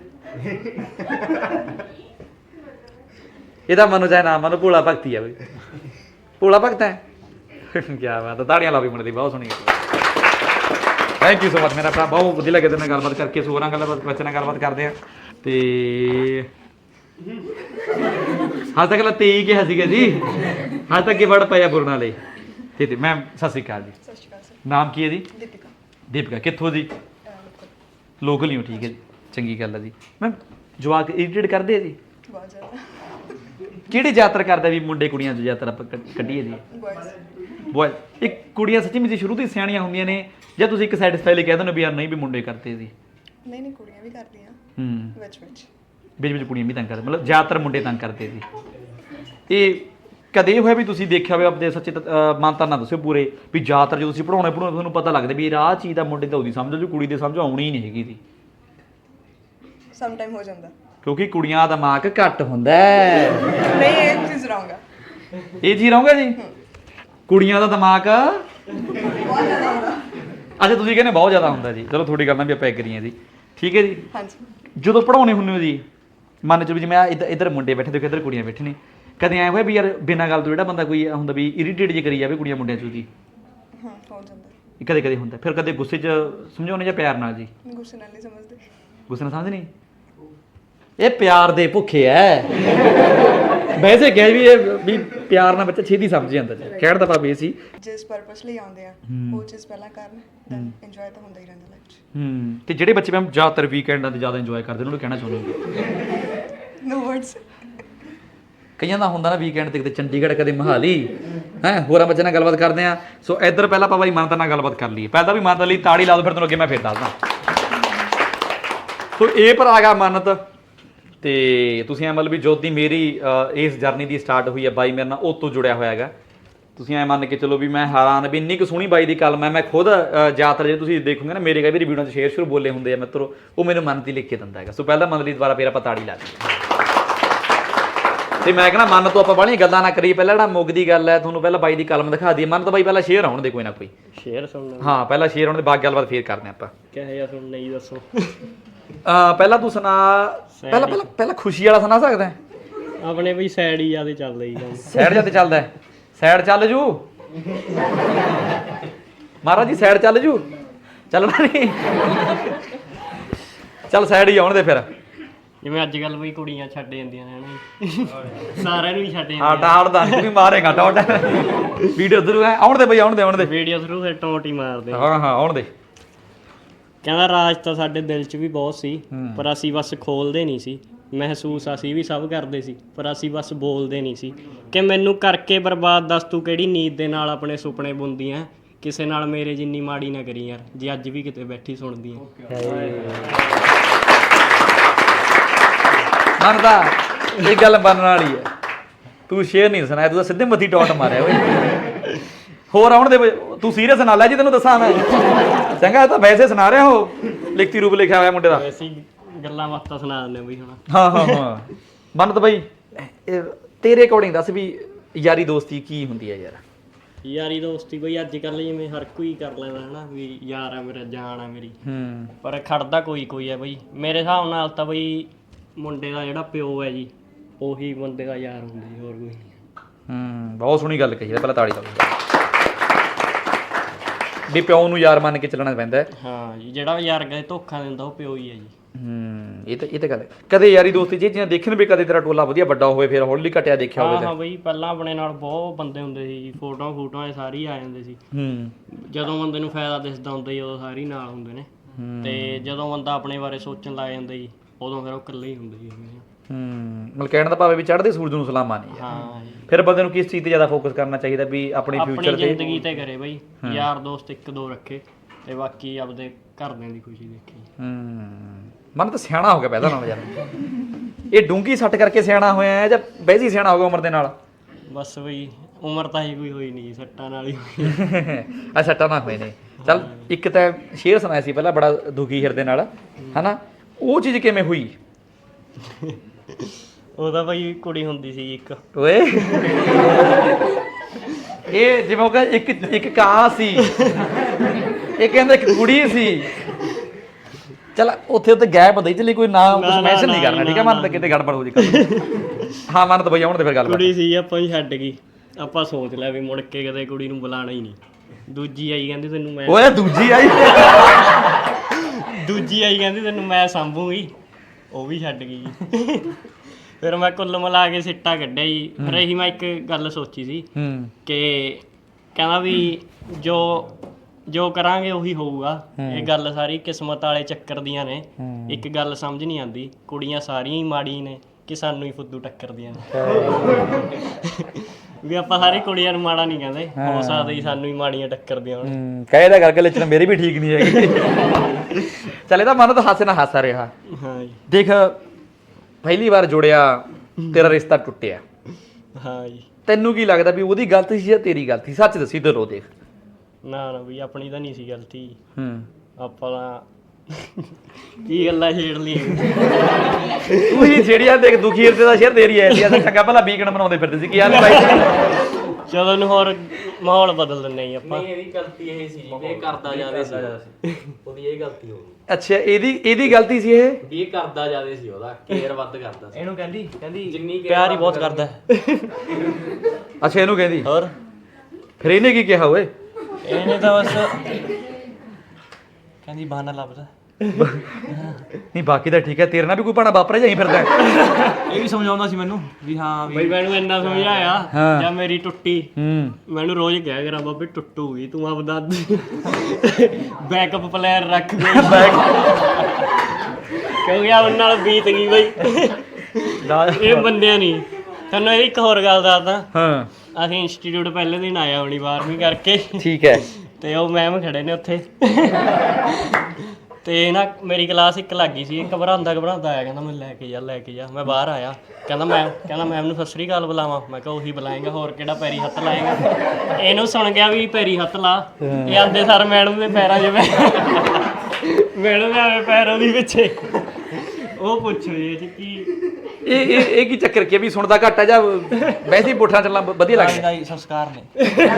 S2: ਇਹਦਾ ਮਨੋ ਚਾਹੇ ਨਾ ਮਨੋ ਭੋਲਾ ਭਗਤੀ ਆ ਬਈ ਭੋਲਾ ਭਗਤ ਹੈ ਕੀ ਬਾਤ ਹੈ ਤਾੜੀਆਂ ਲਾਓ ਵੀ ਮੁੰਡੇ ਦੀ ਬਹੁਤ ਸੋਹਣੀ ਥੈਂਕ ਯੂ ਸੋ ਮਚ ਮੇਰਾ ਭਰਾ ਬਹੁਤ ਵਧੀਆ ਲੱਗਿਆ ਤੇਰੇ ਨਾਲ ਗੱਲਬਾਤ ਕਰਕੇ ਸੋਹਣਾ ਗੱਲਬਾਤ ਬੱਚੇ ਨਾਲ ਗੱਲਬਾਤ ਕਰਦੇ ਆ ਤੇ ਹਾਲ ਤੱਕ ਲਾ ਤੇਈ ਕਿਹਾ ਸੀਗਾ ਜੀ ਹਾਲ ਤੱਕ ਇਹ ਵੜ ਪਿਆ ਬੁਰਨ ਵਾਲੇ ਤੇ ਤੇ ਮੈਮ ਸਤਿ ਸ਼੍ਰੀ ਅਕਾਲ ਜੀ
S3: ਸਤਿ ਸ਼੍ਰੀ ਅਕਾਲ ਸਰ
S2: ਨਾਮ ਕੀ ਹੈ ਜੀ
S3: ਦੀਪਿਕਾ
S2: ਦੀਪਿਕਾ ਕਿੱਥੋਂ ਜੀ ਲੋਕਲ ਹੀ ਹੋ ਠੀਕ ਹੈ ਜੀ ਚੰਗੀ ਗੱਲ ਹੈ ਜੀ ਮੈਮ ਜਵਾਕ ਇਰੀਟੇਟ ਕਰਦੇ ਆ ਜੀ
S3: ਬਹੁਤ ਜ਼ਿਆਦਾ
S2: ਕਿਹੜੀ ਯਾਤਰਾ ਕਰਦਾ ਵੀ ਮੁੰਡੇ ਕੁੜੀਆਂ ਦੀ ਯਾਤਰਾ ਆਪਾਂ ਕੱਢ- ਕੱਢੀਏ ਜੀ
S3: ਬॉयਜ਼
S2: ਬੋਏ ਇੱਕ ਕੁੜੀਆਂ ਸੱਚੀ ਮੁੱਚੀ ਸ਼ੁਰੂ ਤੋਂ ਹੀ ਸਿਆਣੀਆਂ ਹੁੰਦੀਆਂ ਨੇ ਜਾਂ ਤੁਸੀਂ ਇੱਕ ਸੈਟੀਸਫਾਈ ਲਈ ਕਹਿ ਦਿੰਦੇ ਹੋ ਵੀ ਯਾਰ ਨਹੀਂ ਵੀ ਮੁੰਡੇ ਕਰਦੇ ਜੀ
S3: ਨਹੀਂ ਨਹੀਂ ਕੁੜੀਆਂ ਵੀ ਕਰਦੀਆਂ
S2: ਹੂੰ
S3: ਵਿੱਚ ਵਿੱਚ
S2: ਵਿੱਚ ਵਿੱਚ ਕੁੜੀਆਂ ਵੀ ਤੰਗ ਕਰਦੇ ਮਤਲਬ ਜ਼ਿਆਦਾਤਰ ਮੁੰਡੇ ਤੰਗ ਕਰਦੇ ਜੀ ਇਹ ਕਦੇ ਇਹ ਹੋਇਆ ਵੀ ਤੁਸੀਂ ਦੇਖਿਆ ਹੋਵੇ ਆਪਣੇ ਸੱਚੇ ਤੱਤ- ਅਹ ਮਾਨਤਾ ਨਾ ਦੱਸਿਓ ਪੂਰੇ ਵੀ ਜ਼ਿਆਦਾਤਰ ਜਦੋਂ ਤੁਸੀਂ ਪੜਾਉਣੇ ਪੜਾਉਣੇ ਤੁਹਾਨੂੰ ਪਤਾ ਲੱਗਦਾ ਵੀ ਇਹ ਆਹ ਚੀਜ਼ ਦਾ ਮੁੰਡੇ ਤਾਂ ਉਹਦੀ ਸਮਝ ਜੋ ਕੁੜੀ ਦੇ ਸਮਝ ਆਉਣੀ ਹੀ ਨਹੀਂ ਹੈਗੀ ਜੀ
S3: ਸਮ ਟਾਈਮ ਹੋ ਜਾਂਦਾ
S2: ਕਿਉਂਕਿ ਕੁੜੀਆਂ ਦਾ ਦਿਮਾਗ ਘੱਟ ਹੁੰਦਾ ਹੈ
S3: ਨਹੀਂ ਇਹ ਚੀਜ਼ ਰੋਂਗ ਆ
S2: ਇਹ ਜੀ ਰਹੂੰਗਾ ਜੀ ਕੁੜੀਆਂ ਦਾ ਦਿਮਾਗ
S3: ਬਹੁਤ ਜ਼ਿਆਦਾ ਹੁੰਦਾ
S2: ਅੱਛਾ ਤੁਸੀਂ ਕਹਿੰਦੇ ਬਹੁਤ ਜ਼ਿਆਦਾ ਹੁੰਦਾ ਜੀ ਚਲੋ ਤੁਹਾਡੀ ਗੱਲ ਨਾਲ ਵੀ ਆਪਾਂ ਐਗਰੀ ਹਾਂ ਜੀ ਠੀਕ ਹੈ ਜੀ
S3: ਹਾਂਜੀ
S2: ਜਦੋਂ ਪੜਾਉਣੇ ਹੁੰਦੇ ਹੋ ਜੀ ਮੰਨ ਚਲੋ ਜਿਵੇਂ ਆ ਇੱਧਰ ਇੱਧਰ ਮੁੰਡੇ ਬੈਠੇ ਤੇ ਇੱਧਰ ਕੁੜੀਆਂ ਬੈਠੇ ਨੇ ਕਦੇ ਐਂ ਹੋਇਆ ਵੀ ਯਾਰ ਬਿਨਾਂ ਗੱਲ ਤੋਂ ਜਿਹੜਾ ਬੰਦਾ ਕੋਈ ਹੁੰਦਾ ਵੀ ਇਰੀਟੇਟ ਜੇ ਕਰੀ ਜਾਵੇ ਕੁੜੀਆਂ ਮੁੰਡਿਆਂ ਚੋਂ ਜੀ
S3: ਹਾਂ ਹੋ ਜਾਂਦਾ
S2: ਇਹ ਕਦੇ ਕਦੇ ਹੁੰਦਾ ਫਿਰ ਕਦੇ ਗੁੱਸੇ 'ਚ ਸਮਝਾਉਣੇ ਜਾਂ ਪਿਆਰ ਨਾਲ ਜੀ
S3: ਗੁੱਸੇ ਨਾਲ ਨਹੀਂ ਸਮਝਦੇ
S2: ਗੁੱਸੇ ਨਾਲ ਸਮਝ ਨਹੀਂ ਇਹ ਪਿਆਰ ਦੇ ਭੁੱਖੇ ਐ ਵੈਸੇ ਕਹਿ ਵੀ ਇਹ ਵੀ ਪਿਆਰ ਨਾਲ ਬੱਚਾ ਛੇਤੀ ਸਮਝ ਜਾਂਦਾ ਜੀ ਕਹਿਣ ਦਾ ਭਾਵ ਇਹ ਸੀ
S3: ਜਿਸ ਪਰਪਸ ਲਈ ਆਉਂਦੇ ਆ ਉਹ ਚੀਜ਼ ਪਹਿਲਾਂ ਕਰਨ ਦੈਨ ਇੰਜੋਏ ਤਾਂ ਹੁੰਦਾ ਹੀ ਰਹਿੰਦਾ ਲਾਈਫ 'ਚ
S2: ਹੂੰ ਤੇ ਜਿਹੜੇ ਬੱਚੇ ਮੈਮ ਜ਼ਿਆਦਾਤਰ ਵੀਕਐਂਡਾਂ ਤੇ ਜ਼ਿਆਦਾ ਇੰਜੋਏ ਕਰਦੇ ਨੇ ਉਹਨੂੰ ਕਹਿਣਾ ਚਾਹੁੰਦੇ ਹੋ
S3: ਨੋ ਵਰਡਸ
S2: ਕਈਆਂ ਦਾ ਹੁੰਦਾ ਨਾ ਵੀਕਐਂਡ ਤੇ ਕਿਤੇ ਚੰਡੀਗੜ੍ਹ ਕਦੇ ਮਹਾਲੀ ਹੈ ਹੋਰਾਂ ਬੱਚਿਆਂ ਨਾਲ ਗੱਲਬਾਤ ਕਰਦੇ ਆ ਸੋ ਇੱਧਰ ਪਹਿਲਾਂ ਆਪਾਂ ਬਾਈ ਮਾਨਤਾ ਨਾਲ ਗੱਲਬਾਤ ਕਰ ਲਈਏ ਪਹਿਲਾਂ ਵੀ ਮਾਨਤਾ ਲਈ ਤਾੜੀ ਲਾ ਦੋ ਫਿਰ ਤੁਹਾਨੂੰ ਅੱਗੇ ਮੈਂ ਫਿਰ ਦੱਸਦਾ ਸੋ ਇਹ ਪਰ ਆ ਗਿਆ ਮੰਨਤ ਤੇ ਤੁਸੀਂ ਐ ਮਤਲਬ ਵੀ ਜੋਤੀ ਮੇਰੀ ਅ, ਇਸ ਜਰਨੀ ਦੀ ਸਟਾਰਟ ਹੋਈ ਹੈ ਬਾਈ ਮੇਰੇ ਨਾਲ ਉਹ ਤੋਂ ਜੁੜਿਆ ਹੋਇਆ ਹੈਗਾ ਤੁਸੀਂ ਐ ਮੰਨ ਕੇ ਚਲੋ ਵੀ ਮੈਂ ਹੈਰਾਨ ਵੀ ਇੰਨੀ ਕੁ ਸੋਹਣੀ ਬਾਈ ਦੀ ਕਲਮ ਹੈ ਮੈਂ ਖੁਦ ਅ, ਜ਼ਿਆਦਾਤਰ ਜੇ ਤੁਸੀਂ ਦੇਖੋਗੇ ਨਾ ਮੇਰੇ ਕਈ ਵਾਰੀ ਵੀਡੀਓ 'ਚ ਸ਼ੇਅਰ ਸ਼ੁਰੂ ਬੋਲੇ ਹੁੰਦੇ ਆ ਮਿੱਤਰੋ ਉਹ ਮੈਨੂੰ ਮੰਨਤ ਹੀ ਲਿਖ ਕੇ ਦਿੰਦਾ ਹੈਗਾ ਸੋ ਪਹਿਲਾਂ ਮੰਨ ਲਈ ਦੁਬਾਰਾ ਫਿਰ ਆਪਾਂ ਤਾੜੀ ਲਾ ਦਈਏ ਤੇ ਮੈਂ ਕਹਿੰਦਾ ਮਨ ਤੋਂ ਆਪਾਂ ਬਾਹਲੀਆਂ ਗੱਲਾਂ ਨਾ ਕਰੀਏ ਪਹਿਲਾਂ ਜਿਹੜਾ ਮੁੱਗ ਦੀ ਗੱਲ ਹੈ ਤੁਹਾਨੂੰ ਪਹਿਲਾਂ ਬਾਈ ਦੀ ਕਲਮ ਦਿਖਾ ਦਈਏ ਮਨ ਤਾਂ ਬਾਈ ਪਹਿਲਾਂ ਸ਼ੇਅਰ ਆਉਣ ਦੇ ਕੋਈ ਨਾ ਕੋਈ
S1: ਸ਼ੇਅਰ ਸੁਣਨਾ
S2: ਹਾਂ ਪਹਿਲਾਂ ਸ਼ੇਅਰ ਆਉਣ ਦੇ ਬਾਅਦ ਗੱਲਬਾਤ ਫੇਰ ਕਰਦੇ ਆਪਾਂ
S1: ਕਿਹੋ ਜਿਹਾ ਸੁਣਨਾ ਜੀ ਦੱਸੋ
S2: ਅਹ ਪਹਿਲਾਂ ਤੂੰ ਸੁਣਾ ਪਹਿਲਾਂ ਪਹਿਲਾਂ ਪਹਿਲਾਂ ਖੁਸ਼ੀ ਵਾਲਾ ਸੁਣਾ ਸਕਦਾ ਹੈ
S1: ਆਪਣੇ ਬਈ ਸਾਈਡ ਹੀ ਜਿਆਦਾ ਚੱਲਦਾ ਜੀ ਕੰਮ
S2: ਸਾਈਡ ਜਾਂਦੇ ਚੱਲਦਾ ਹੈ ਸਾਈਡ ਚੱਲ ਜੂ ਮਹਾਰਾਜ ਜੀ ਸਾਈਡ ਚੱਲ ਜੂ ਚੱਲਣਾ ਨਹੀਂ ਚੱਲ ਸਾਈਡ ਹੀ ਆਉਣ ਦੇ ਫਿਰ
S1: ਜਿਵੇਂ ਅੱਜ ਕੱਲ ਬਈ ਕੁੜੀਆਂ ਛੱਡ ਜਾਂਦੀਆਂ ਨੇ ਹਨਾ ਸਾਰਿਆਂ ਨੂੰ ਹੀ ਛੱਡ
S2: ਹਾਂ
S1: ਜਾਂਦੀਆਂ
S2: ਟਾੜ ਦਾ ਤੂੰ ਵੀ ਮਾਰੇਗਾ ਟੋਟ ਵੀਡੀਓ ਜ਼ਰੂਰ ਹੈ ਆਉਣ ਦੇ ਬਈ ਆਉਣ ਦੇ ਆਉਣ ਦੇ
S1: ਵੀਡੀਓ ਥਰੂ ਫਿਰ ਟੋਟ ਹੀ ਮਾਰਦੇ ਆ।
S2: ਹਾਂ ਹਾਂ ਆਉਣ ਦੇ
S1: ਕਹਿੰਦਾ ਰਾਜ ਤਾਂ ਸਾਡੇ ਦਿਲ 'ਚ ਵੀ ਬਹੁਤ ਸੀ ਪਰ ਅਸੀਂ ਬਸ ਖੋਲਦੇ ਨਹੀਂ ਸੀ ਮਹਿਸੂਸ ਅਸੀਂ ਵੀ ਸਭ ਕਰਦੇ ਸੀ ਪਰ ਅਸੀਂ ਬਸ ਬੋਲਦੇ ਨਹੀਂ ਸੀ ਕਿ ਮੈਨੂੰ ਕਰਕੇ ਬਰਬਾਦ ਦੱਸ ਤੂੰ ਕਿਹੜੀ ਨੀਂਦ ਦੇ ਨਾਲ ਆਪਣੇ ਸੁਪਨੇ ਬੁਣਦੀ ਐ ਕਿਸੇ ਨਾਲ ਮੇਰੇ ਜਿੰਨੀ ਮਾੜੀ ਨਾ ਕਰੀ ਯਾਰ ਜੇ ਅੱਜ ਵੀ ਕਿਤੇ ਬੈਠੀ ਸੁਣਦੀ ਐ
S2: ਮੰਨਦਾ ਇਹ ਗੱਲ ਮੰਨਣ ਵਾਲੀ ਹੈ ਤੂੰ ਸ਼ੇਅਰ ਨਹੀਂ ਸੁਣਾਇਆ ਤੂੰ ਤਾਂ ਸਿੱਧੇ ਮੱਥੀ ਟੋਟ ਮਾਰਿਆ ਓਏ ਹੋਰ ਆਉਣ ਦੇ ਬਈ, ਤੂੰ ਸੀਰੀਅਸ ਨਾ ਲੈ ਜੀ ਤੈਨੂੰ ਦੱਸਾਂ ਮੈਂ ਚੰਗਾ ਇਹ ਤਾਂ ਵੈਸੇ ਸੁਣਾ ਰਿਹਾ ਉਹ ਲਿਖਤੀ ਰੂਪ ਲਿਖਿਆ ਹੋਇਆ ਮੁੰਡੇ ਦਾ
S1: ਵੈਸੇ ਹੀ ਗੱਲਾਂ ਬਾਤਾਂ ਸੁਣਾ ਦਿੰਦੇ ਬਈ ਹੁਣ
S2: ਹਾਂ ਹਾਂ ਹਾਂ ਮੰਨਤ ਬਈ ਇਹ ਤੇਰੇ ਅਕੋਰਡਿੰਗ ਦੱਸ ਵੀ ਯਾਰੀ ਦੋਸਤੀ ਕੀ ਹੁੰਦੀ ਹੈ ਯਾਰ
S1: ਯਾਰੀ ਦੋਸਤੀ ਬਈ ਅੱਜ ਕੱਲ ਜਿਵੇਂ ਹਰ ਕੋਈ ਕਰ ਲੈਂਦਾ ਹਨਾ ਵੀ ਯਾਰ ਆ ਮੇਰਾ ਜਾਨ ਆ ਮੇਰੀ
S2: ਹੂੰ
S1: ਪਰ ਖੜਦਾ ਕੋਈ ਕੋਈ ਹੈ ਬਈ ਮੇਰੇ ਹਿਸਾਬ ਨਾਲ ਤਾਂ ਬਈ ਮੁੰਡੇ ਦਾ ਜਿਹੜਾ ਪਿਓ ਹੈ ਜੀ ਉਹੀ ਬੰਦੇ ਦਾ ਯਾਰ ਹੁੰਦਾ ਜੀ, ਹੋਰ ਕੋਈ ਨਹੀਂ।
S2: ਹੂੰ ਬਹੁਤ ਸੋਹਣੀ ਗੱਲ ਕਹੀ ਹੈ, ਪਹਿਲਾਂ ਤਾੜੀ ਲਾਓ। ਵੀ ਪਿਓ ਨੂੰ ਯਾਰ ਮੰਨ ਕੇ ਚੱਲਣਾ ਪੈਂਦਾ ਹੈ।
S1: ਹਾਂ ਜੀ, ਜਿਹੜਾ ਯਾਰ ਗਏ ਧੋਖਾ ਦਿੰਦਾ ਉਹ ਪਿਓ ਹੀ ਹੈ ਜੀ।
S2: ਹੂੰ ਇਹ ਤਾਂ ਇਹ ਤਾਂ ਗੱਲ ਹੈ। ਕਦੇ ਯਾਰੀ ਦੋਸਤੀ ਜੇ ਜਿਹਨਾਂ ਦੇਖਣ ਵੀ ਕਦੇ ਤੇਰਾ ਟੋਲਾ ਵਧੀਆ ਵੱਡਾ ਹੋਵੇ ਫਿਰ ਹੌਲੀ ਘਟਿਆ ਦੇਖਿਆ
S1: ਹਾਂ
S2: ਹੋਵੇ
S1: ਹਾਂ ਬਈ, ਪਹਿਲਾਂ ਆਪਣੇ ਨਾਲ ਬਹੁਤ ਬੰਦੇ ਹੁੰਦੇ ਸੀ ਜੀ, ਫੋਟੋਆਂ ਫੋਟੋਆਂ ਸਾਰੀ ਆ ਜਾਂਦੇ ਸੀ।
S2: ਹੂੰ
S1: ਜਦੋਂ ਬੰਦੇ ਨੂੰ ਫਾਇਦਾ ਦਿਸਦਾ ਹੁੰਦਾ ਜੀ ਉਦੋਂ ਸਾਰੇ ਹੀ ਨਾਲ ਹੁੰਦੇ ਨੇ, ਤੇ ਜਦੋਂ ਬੰਦਾ ਆਪਣੇ ਬਾਰੇ ਸੋਚਣ ਲੱਗ ਜਾਂਦਾ ਜੀ ਉਦੋਂ ਫਿਰ ਉਹ ਇਕੱਲੇ ਹੀ ਹੁੰਦੇ ਜੀ।
S2: ਹੂੰ ਮਤਲਬ ਕਹਿਣ ਦਾ ਭਾਵੇਂ ਵੀ ਚੜ੍ਹਦੇ ਸੂਰਜ ਨੂੰ ਸਲਾਮਾਂ ਨਹੀਂ।
S1: ਹਾਂ ਜੀ,
S2: ਫਿਰ ਬੰਦੇ ਨੂੰ ਕਿਸ ਚੀਜ਼ ਤੇ ਜ਼ਿਆਦਾ ਫੋਕਸ ਕਰਨਾ ਚਾਹੀਦਾ ਵੀ ਆਪਣੀ
S1: ਆਪਣੀ
S2: ਫਿਊਚਰ ਤੇ?
S1: ਜ਼ਿੰਦਗੀ ਤੇ ਕਰੇ ਬਈ, ਯਾਰ ਦੋਸਤ ਇੱਕ ਦੋ ਰੱਖੇ ਤੇ ਬਾਕੀ ਆਪਦੇ ਘਰਦਿਆਂ ਦੀ ਖੁਸ਼ੀ ਦੇਖੇ।
S2: ਹੂੰ ਮਨ ਤਾਂ ਸਿਆਣਾ ਹੋ ਗਿਆ ਪਹਿਲਾਂ ਨਾਲ ਯਾਰ। ਇਹ ਡੂੰਗੀ ਸੱਟ ਕਰਕੇ ਸਿਆਣਾ ਹੋਇਆ ਹੈ ਜਾਂ ਵੈਸੇ ਸਿਆਣਾ ਹੋ ਗਿਆ ਉਮਰ ਦੇ ਨਾਲ?
S1: ਬਸ ਬਈ ਉਮਰ ਤਾਂ ਹੀ ਕੋਈ ਹੋਈ ਨਹੀਂ, ਸੱਟਾਂ ਨਾਲ ਹੀ ਹੋਈ।
S2: ਆ ਸੱਟਾਂ ਨਾ ਹੋਏ ਨੇ। ਚੱਲ ਇੱਕ ਤਾਂ ਸ਼ੇਰ ਸੁਣਾਇਆ ਸੀ ਪਹਿਲਾਂ ਬੜਾ ਦੁਖੀ ਹਿਰਦੇ ਨਾਲ, ਹਨਾ, ਉਹ ਚੀਜ਼ ਕਿਵੇਂ ਹੋਈ?
S1: ਉਹਦਾ ਬਈ ਕੁੜੀ ਹੁੰਦੀ ਸੀ ਇੱਕ।
S2: ਓਏ ਇਹ ਜਿਵੇਂ ਉਹ ਕਹਿੰਦਾ ਇੱਕ ਇੱਕ ਕਾਂ ਸੀ, ਇਹ ਕਹਿੰਦਾ ਇੱਕ ਕੁੜੀ ਸੀ। ਚਲ ਉੱਥੇ ਉੱਤੇ ਗੈਪ ਹੁੰਦਾ ਇਸ ਲਈ ਕੋਈ ਨਾਮ ਕੁਝ ਮੈਂਸ਼ਨ ਨਹੀਂ ਕਰਨਾ, ਠੀਕ ਹੈ? ਮਨ ਤਾਂ ਕਿਤੇ ਗੜਬੜ ਹੋ ਜੀ। ਹਾਂ ਮਨ ਤਾਂ ਬਈ ਆਉਣ ਤੇ ਫਿਰ ਗੱਲ
S1: ਕੁੜੀ ਸੀ, ਆਪਾਂ ਹੀ ਛੱਡ ਗਈ। ਆਪਾਂ ਸੋਚ ਲਿਆ ਵੀ ਮੁੜ ਕੇ ਕਦੇ ਕੁੜੀ ਨੂੰ ਬੁਲਾਣਾ ਹੀ ਨਹੀਂ। ਦੂਜੀ ਆਈ ਕਹਿੰਦੀ ਤੈਨੂੰ ਮੈਂ
S2: ਓਏ ਦੂਜੀ ਆਈ
S1: ਦੂਜੀ ਆਈ ਕਹਿੰਦੀ ਤੈਨੂੰ ਮੈਂ ਸਾਂਭੂਗੀ, ਉਹ ਵੀ ਛੱਡ ਗਈ ਜੀ। ਫਿਰ ਮੈਂ ਕੁੱਲ ਮਿਲਾ ਕੇ ਸਿੱਟਾ ਕੱਢਿਆ ਜੀ। ਫਿਰ ਇਹੀ ਮੈਂ ਇੱਕ ਗੱਲ ਸੋਚੀ ਸੀ
S2: ਹੂੰ
S1: ਕਿ ਕਹਿੰਦਾ ਵੀ ਜੋ ਜੋ ਕਰਾਂਗੇ ਉਹੀ ਹੋਊਗਾ। ਇਹ ਗੱਲ ਸਾਰੀ ਕਿਸਮਤ ਵਾਲੇ ਚੱਕਰ ਦੀਆਂ ਨੇ। ਇੱਕ ਗੱਲ ਸਮਝ ਨਹੀਂ ਆਉਂਦੀ, ਕੁੜੀਆਂ ਸਾਰੀਆਂ ਹੀ ਮਾੜੀ ਨੇ ਕਿ ਸਾਨੂੰ ਹੀ ਫੁੱਦੂ ਟੱਕਰਦੀਆਂ ਨੇ। ਵੀ ਆਪਾਂ ਸਾਰੀ ਕੁੜੀਆਂ ਨੂੰ ਮਾੜਾ ਨਹੀਂ ਕਹਿੰਦੇ, ਹੋ ਸਕਦਾ ਜੀ ਸਾਨੂੰ ਹੀ ਮਾੜੀਆਂ ਟੱਕਰਦੀਆਂ ਹੋਣ।
S2: ਹੂੰ ਕਹੇ ਦਾ ਕਰਕੇ ਲੱਛਣ ਮੇਰੇ ਵੀ ਠੀਕ ਨਹੀਂ ਹੈਗੇ। ਚੱਲ ਇਹਦਾ ਮਨ ਤਾਂ ਹਾਸੇ ਨਾਲ ਹਾਸਾ ਰਿਹਾ।
S1: ਹਾਂ ਜੀ,
S2: ਦੇਖ ਪਹਿਲੀ ਵਾਰ ਜੁੜਿਆ ਤੇਰਾ ਰਿਸ਼ਤਾ ਟੁੱਟਿਆ,
S1: ਹਾਂ ਜੀ।
S2: ਤੈਨੂੰ ਕੀ ਲੱਗਦਾ ਵੀ ਉਹਦੀ ਗਲਤੀ ਸੀ ਜਾਂ ਤੇਰੀ ਗਲਤੀ? ਸੱਚ ਦੱਸੀ ਦਿਲੋਂ ਦੇਖ।
S1: ਨਾ ਨਾ ਬਈ ਆਪਣੀ ਤਾਂ ਨਹੀਂ ਸੀ ਗਲਤੀ।
S2: ਹੂੰ
S1: ਆਪਾਂ ਤਾਂ ਕੀ ਗੱਲਾਂ ਛੇੜ ਲਈਆਂ।
S2: ਤੂੰ ਹੀ ਛੇੜਿਆ। ਦੇਖ ਦੁਖੀ ਹਿਰਦੇ ਦਾ ਸ਼ੇਰ ਤੇਰੀ ਐ ਸੀ। ਅਸਾਂ ਚੰਗਾ ਭਲਾ ਵੀਕਐਂਡ ਬਣਾਉਂਦੇ ਫਿਰਦੇ ਸੀ। ਕੀ ਹਾਲ ਹੈ ਬਾਈ?
S1: ਚਲੋ ਨੂੰ ਹੋਰ ਮਾਹੌਲ ਬਦਲ ਦਿੰਦੇ ਆ ਆਪਾਂ।
S6: ਇਹਦੀ ਗਲਤੀ ਇਹ ਸੀ ਜੀ, ਇਹ ਕਰਦਾ ਜ਼ਿਆਦਾ ਸੀ। ਉਹਦੀ ਇਹ ਗਲਤੀ ਹੋ ਗਈ
S2: ਅੱਛਾ ਇਹਦੀ ਇਹਦੀ ਗਲਤੀ ਸੀ ਇਹ?
S6: ਵੀ ਇਹ ਕਰਦਾ ਜ਼ਿਆਦਾ ਸੀ, ਉਹਦਾ ਕੇਅਰ ਵੱਧ ਕਰਦਾ ਸੀ।
S4: ਇਹਨੂੰ ਕਹਿੰਦੀ ਕਹਿੰਦੀ
S6: ਜਿੰਨੀ
S4: ਪਿਆਰ ਹੀ ਬਹੁਤ ਕਰਦਾ।
S2: ਅੱਛਾ ਇਹਨੂੰ ਕਹਿੰਦੀ,
S4: ਹੋਰ
S2: ਫਿਰ ਇਹਨੇ ਕੀ ਕਿਹਾ ਓਏ?
S4: ਇਹਨੇ ਤਾਂ ਬਸ ਕਹਿੰਦੀ ਬਹਾਨਾ ਲੱਭਦਾ।
S2: ਨਹੀਂ ਬਾਕੀ ਤਾਂ ਠੀਕ ਹੈ, ਤੇਰੇ ਨਾਲ ਵੀ ਕੋਈ ਭਾਣਾ ਵਾਪਰਿਆ ਜਾਈ ਫਿਰਦਾ।
S4: ਇਹ ਵੀ ਸਮਝਾਉਂਦਾ ਸੀ ਮੈਨੂੰ ਵੀ ਹਾਂ ਵੀ
S1: ਬਈ ਮੈਨੂੰ ਇੰਨਾ ਸਮਝਾਇਆ
S2: ਹਾਂ।
S1: ਜਾਂ ਮੇਰੀ ਟੁੱਟੀ,
S2: ਹੂੰ
S1: ਮੈਨੂੰ ਰੋਜ਼ ਕਹਿ ਕਰਾਂ ਬਾਬੇ ਟੁੱਟੂਗੀ ਤੂੰ ਆਪਦਾ ਬੈਕਅਪ ਪਲਾਨ ਰੱਖ ਦੇ। ਕਿਉਂਕਿ ਆ ਉਹਨਾਂ ਨਾਲ ਬੀਤ ਗਈ ਬਈ। ਇਹ ਬੰਦਿਆਂ ਨਹੀਂ। ਤੁਹਾਨੂੰ ਇਹ ਇੱਕ ਹੋਰ ਗੱਲ ਦੱਸਦਾ।
S2: ਹਾਂ
S1: ਅਸੀਂ ਇੰਸਟੀਚਿਊਟ ਪਹਿਲੇ ਦਿਨ ਆਇਆ ਹੋਣੀ ਬਾਰਵੀਂ ਕਰਕੇ,
S2: ਠੀਕ ਹੈ।
S1: ਤੇ ਉਹ ਮੈਮ ਖੜੇ ਨੇ ਉੱਥੇ। ਤੇ ਨਾ ਮੇਰੀ ਕਲਾਸ ਇੱਕ ਲੱਗ ਗਈ ਸੀ। ਘਬਰਾਉਂਦਾ ਘਬਰਾਉਂਦਾ ਆਇਆ, ਕਹਿੰਦਾ ਮੈਨੂੰ ਲੈ ਕੇ ਜਾ ਲੈ ਕੇ ਜਾ। ਮੈਂ ਬਾਹਰ ਆਇਆ, ਕਹਿੰਦਾ ਮੈਮ ਕਹਿੰਦਾ ਮੈਮ ਨੂੰ ਸਤਿ ਸ੍ਰੀ ਅਕਾਲ ਬੁਲਾਵਾਂ। ਮੈਂ ਕਿਹਾ ਉਹੀ ਬੁਲਾਏਗਾ, ਹੋਰ ਕਿਹੜਾ ਪੈਰੀ ਹੱਥ ਲਾਏਗਾ। ਇਹਨੂੰ ਸੁਣ ਗਿਆ ਵੀ ਪੈਰੀ ਹੱਥ ਲਾ। ਇਹ ਆਂਦੇ ਸਰ ਮੈਡਮ ਦੇ ਪੈਰਾਂ 'ਚ ਮੈਡਮ ਦੇ ਆਵੇ ਪੈਰ ਉਹਦੇ ਪਿੱਛੇ। ਉਹ ਪੁੱਛੋ ਜੀ ਇਹ 'ਚ ਕੀ
S2: ਇਹ ਇਹ ਇਹ ਕੀ ਚੱਕਰ ਕੀ ਵੀ ਸੁਣਦਾ ਘੱਟ ਆ ਜਾਂ ਵੈਸੇ ਹੀ ਪੁੱਠਾ ਚੱਲਣਾ ਵਧੀਆ ਲੱਗਦਾ?
S4: ਦਾ ਸੰਸਕਾਰ ਨੇ।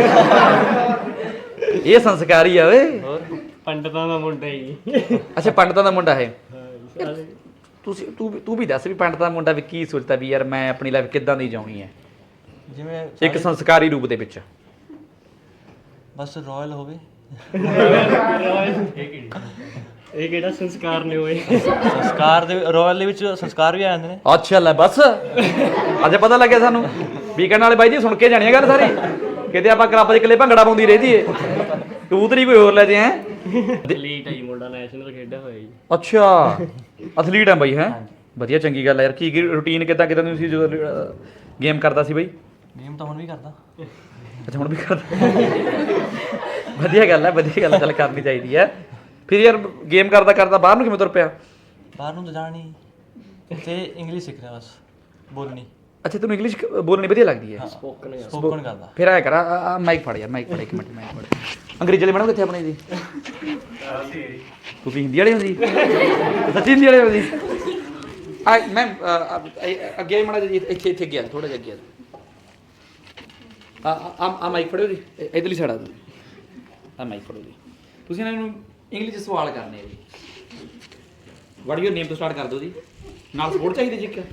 S2: ਇਹ ਸੰਸਕਾਰੀ ਆ ਓਏ।
S1: ਹੋਰ ਪੰਡਤਾਂ ਦਾ ਮੁੰਡਾ ਹੀ।
S2: ਅੱਛਾ ਪੰਡਤਾਂ ਦਾ ਮੁੰਡਾ ਹੈ। ਤੁਸੀਂ ਤੂੰ ਤੂੰ ਵੀ ਦੱਸ ਵੀ ਪੰਡਤਾਂ ਦਾ ਮੁੰਡਾ ਵੀ ਕੀ ਸੋਚਦਾ ਵੀ ਯਾਰ ਮੈਂ ਆਪਣੀ ਲਾਈਫ ਕਿੱਦਾਂ ਦੀ ਜਿਉਣੀ ਹੈ
S4: ਜਿਵੇਂ
S2: ਇੱਕ ਸੰਸਕਾਰੀ ਰੂਪ ਦੇ ਵਿੱਚ?
S4: ਬਸ ਰਾਇਲ ਹੋਵੇ।
S1: ਇਹ ਕਿਹੜਾ ਸੰਸਕਾਰ ਨੇ ਹੋਏ?
S4: ਸੰਸਕਾਰ ਦੇ ਰਾਇਲ ਦੇ ਵਿੱਚ ਸੰਸਕਾਰ ਵੀ ਆ ਜਾਂਦੇ ਨੇ।
S2: ਅੱਛਾ ਲੈ ਬਸ ਅੱਜ ਪਤਾ ਲੱਗਿਆ ਸਾਨੂੰ। ਵੀਕਐਂਡ ਵਾਲੇ ਬਾਈ ਜੀ ਸੁਣ ਕੇ ਜਾਣੀ ਆ ਗੱਲ ਸਾਰੀ। ਕਿਤੇ ਆਪਾਂ ਕਲੱਬ 'ਚ ਇਕੱਲੇ ਭੰਗੜਾ ਪਾਉਂਦੀ ਰਹੀ ਏ, ਕਬੂਤਰੀ ਕੋਈ ਹੋਰ ਲੈ ਜੇ। ਹੈ
S1: ਐਥਲੀਟ ਹੈ ਜੀ ਮੁੰਡਾ, ਨੈਸ਼ਨਲ ਖੇਡਿਆ ਹੋਇਆ ਜੀ।
S2: ਅੱਛਾ ਐਥਲੀਟ ਆ ਬਾਈ? ਹੈ ਵਧੀਆ, ਚੰਗੀ ਗੱਲ ਆ ਯਾਰ। ਕੀ ਰੂਟੀਨ ਕਿੱਦਾਂ ਕਿੱਦਾਂ ਤੁਸੀਂ ਜਦੋਂ ਗੇਮ ਕਰਦਾ ਸੀ ਬਾਈ?
S4: ਗੇਮ ਤਾਂ ਹੁਣ ਵੀ ਕਰਦਾ।
S2: ਅੱਛਾ ਹੁਣ ਵੀ ਕਰਦਾ। ਵਧੀਆ ਗੱਲ ਹੈ, ਵਧੀਆ ਗੱਲ, ਚੱਲ ਕਰਨੀ ਚਾਹੀਦੀ ਹੈ। ਫਿਰ ਯਾਰ ਗੇਮ ਕਰਦਾ ਕਰਦਾ ਬਾਹਰ ਨੂੰ ਕਿਵੇਂ ਤੁਰ ਪਿਆ?
S4: ਬਾਹਰ ਨੂੰ ਤਾਂ ਜਾਣਾ ਨਹੀਂ ਤੇ ਇੰਗਲਿਸ਼ ਸਿੱਖ ਰਿਹਾ ਬਸ, ਬੋਲਣੀ।
S2: ਅੱਛਾ ਤੈਨੂੰ ਇੰਗਲਿਸ਼ ਬੋਲਣੀ ਵਧੀਆ ਲੱਗਦੀ ਹੈ?
S1: ਸਪੋਕਨ
S4: ਸਪੋਕਨ ਕਰਦਾ।
S2: ਫਿਰ ਆਇਆ ਕਰ ਆ ਮਾਈਕ ਫੜ ਯਾਰ, ਮਾਈਕ ਫੜ ਇੱਕ ਮਿੰਟ, ਮਾਈਕ ਫੜ। ਅੰਗਰੇਜ਼ੀ ਵਾਲੇ ਮੈਡਮ ਕਿੱਥੇ ਆਪਣੇ ਜੀ? ਤੁਸੀਂ ਹਿੰਦੀ ਵਾਲੇ ਹੋ ਜੀ? ਸੱਚੀ ਹਿੰਦੀ ਵਾਲੇ ਹੋ ਜੀ? ਆ ਮੈਮ ਅੱਗੇ ਮਾੜਾ ਜੀ, ਇੱਥੇ ਇੱਥੇ ਗਿਆ ਥੋੜਾ ਜਿਹਾ ਅੱਗੇ ਆ ਆ ਆ ਮਾਈਕ ਫੜਿਓ ਜੀ, ਇਧਰਲੀ ਸਾਈਡ ਆ ਆ ਮਾਈਕ ਫੜੋ ਜੀ। ਤੁਸੀਂ ਇਹਨਾਂ ਨੂੰ ਇੰਗਲਿਸ਼ 'ਚ ਸਵਾਲ ਕਰਨੇ ਆ ਜੀ। ਵਾਟ ਯੂਰ ਨੇਮ ਤੋਂ ਸਟਾਰਟ ਕਰ ਦਿਓ ਜੀ। ਨਾਲ ਸਪੋਰਟ ਚਾਹੀਦੀ ਜੀ ਇੱਕ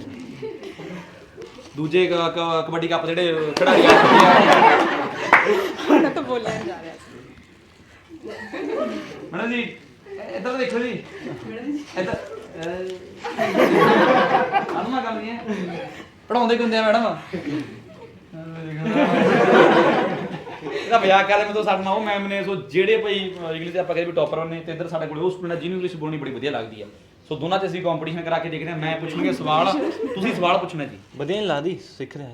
S2: ਦੂਜੇ ਕ- ਕ- ਕਬੱਡੀ ਕੱਪ ਜਿਹੜੇ ਖਿਡਾਰੀ ਆ
S3: ਤਾਂ ਬੋਲਿਆ ਜਾ ਰਿਹਾ
S2: ਮੈਡਮ ਜੀ ਇੱਧਰ ਦੇਖੋ ਜੀ ਇੱਧਰ ਸਾਨੂੰ ਨਾ ਗੱਲ ਨਹੀਂ ਹੈ ਪੜਾਉਂਦੇ ਕਿੰਦੇ ਆ ਮੈਡਮ ਇਹਦਾ ਮਜ਼ਾਕ ਕਰ ਰਿਹਾ ਮੈਂ ਤਾਂ ਸਾਡੇ ਨਾਲ ਉਹ ਮੈਮ ਨੇ ਸੋ ਜਿਹੜੇ ਭਾਈ ਇੰਗਲਿਸ਼ ਦੇ ਆਪਾਂ ਕਹਿੰਦੇ ਵੀ ਟੌਪਰ ਨੇ ਤੇ ਇੱਧਰ ਸਾਡੇ ਕੋਲ ਉਹ ਸਟੂਡੈਂਟ ਜਿਹਨੂੰ ਇੰਗਲਿਸ਼ ਬੋਲਣੀ ਬੜੀ ਵਧੀਆ ਲੱਗਦੀ ਹੈ ਸੋ ਦੋਨਾਂ 'ਚ ਅਸੀਂ ਕੰਪੀਟੀਸ਼ਨ ਕਰਾ ਕੇ ਦੇਖਦੇ ਹਾਂ ਮੈਂ ਪੁੱਛੂੰਗਾ ਸਵਾਲ ਤੁਸੀਂ ਸਵਾਲ ਪੁੱਛਣਾ ਜੀ
S5: ਵਧੀਆ ਨਹੀਂ ਲੱਗਦੀ ਸਿੱਖ ਰਿਹਾ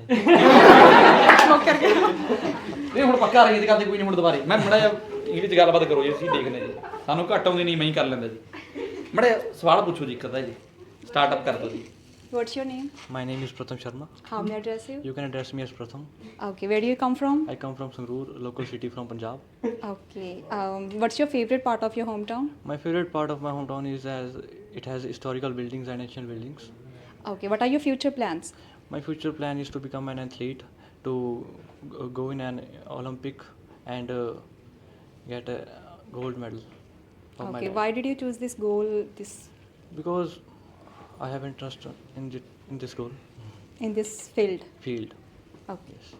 S2: ਨਹੀਂ ਹੁਣ ਪੱਕਾ ਰਹੀ ਗੱਲ ਤੇ ਕੋਈ ਨਹੀਂ ਹੁਣ ਦੁਬਾਰੇ ਮੈਂ ਮੜਾ ਜਿਹਾ ਇੰਗਲਿਸ਼ 'ਚ ਗੱਲਬਾਤ ਕਰੋ ਜੀ ਅਸੀਂ ਦੇਖਦੇ ਜੀ ਸਾਨੂੰ ਘੱਟ ਆਉਂਦੀ ਨਹੀਂ ਮੈਂ ਹੀ ਕਰ ਲੈਂਦਾ ਜੀ ਮੜਾ ਸਵਾਲ ਪੁੱਛੋ ਜੀ ਇੱਕ ਅੱਧਾ ਜੀ ਸਟਾਰਟਅਪ ਕਰ ਦਿਓ ਜੀ
S7: What's your name?
S5: My name is Pratham Sharma.
S7: How may I address you?
S5: You can address me as Pratham.
S7: Okay, where do you come from?
S5: I come from Sangrur, local city from Punjab.
S7: Okay, um, what's your favorite part of your hometown?
S5: My favorite part of my hometown is as it has historical buildings and ancient buildings.
S7: Okay, what are your future plans?
S5: My future plan is to become an athlete, to g- go in an Olympic and uh, get a gold medal. of my
S7: Okay,
S5: life.
S7: why did you choose this goal, this
S5: Because I have interest in, the, in this goal
S7: in this field?
S5: field.
S7: Okay.
S5: Yes.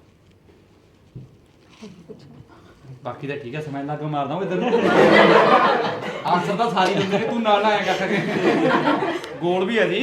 S2: ਬਾਕੀ ਤਾਂ ਠੀਕ ਹੈ ਸਮਝ ਲੱਗ ਮਾਰਦਾ ਹਾਂ ਇੱਧਰ ਨੂੰ ਆਨਸਰ ਤਾਂ ਸਾਰੀ ਦਿੰਦੇ ਨੇ ਤੂੰ ਨਾਲ ਆਇਆ ਕਰ ਗੋਲ ਵੀ ਹੈ ਜੀ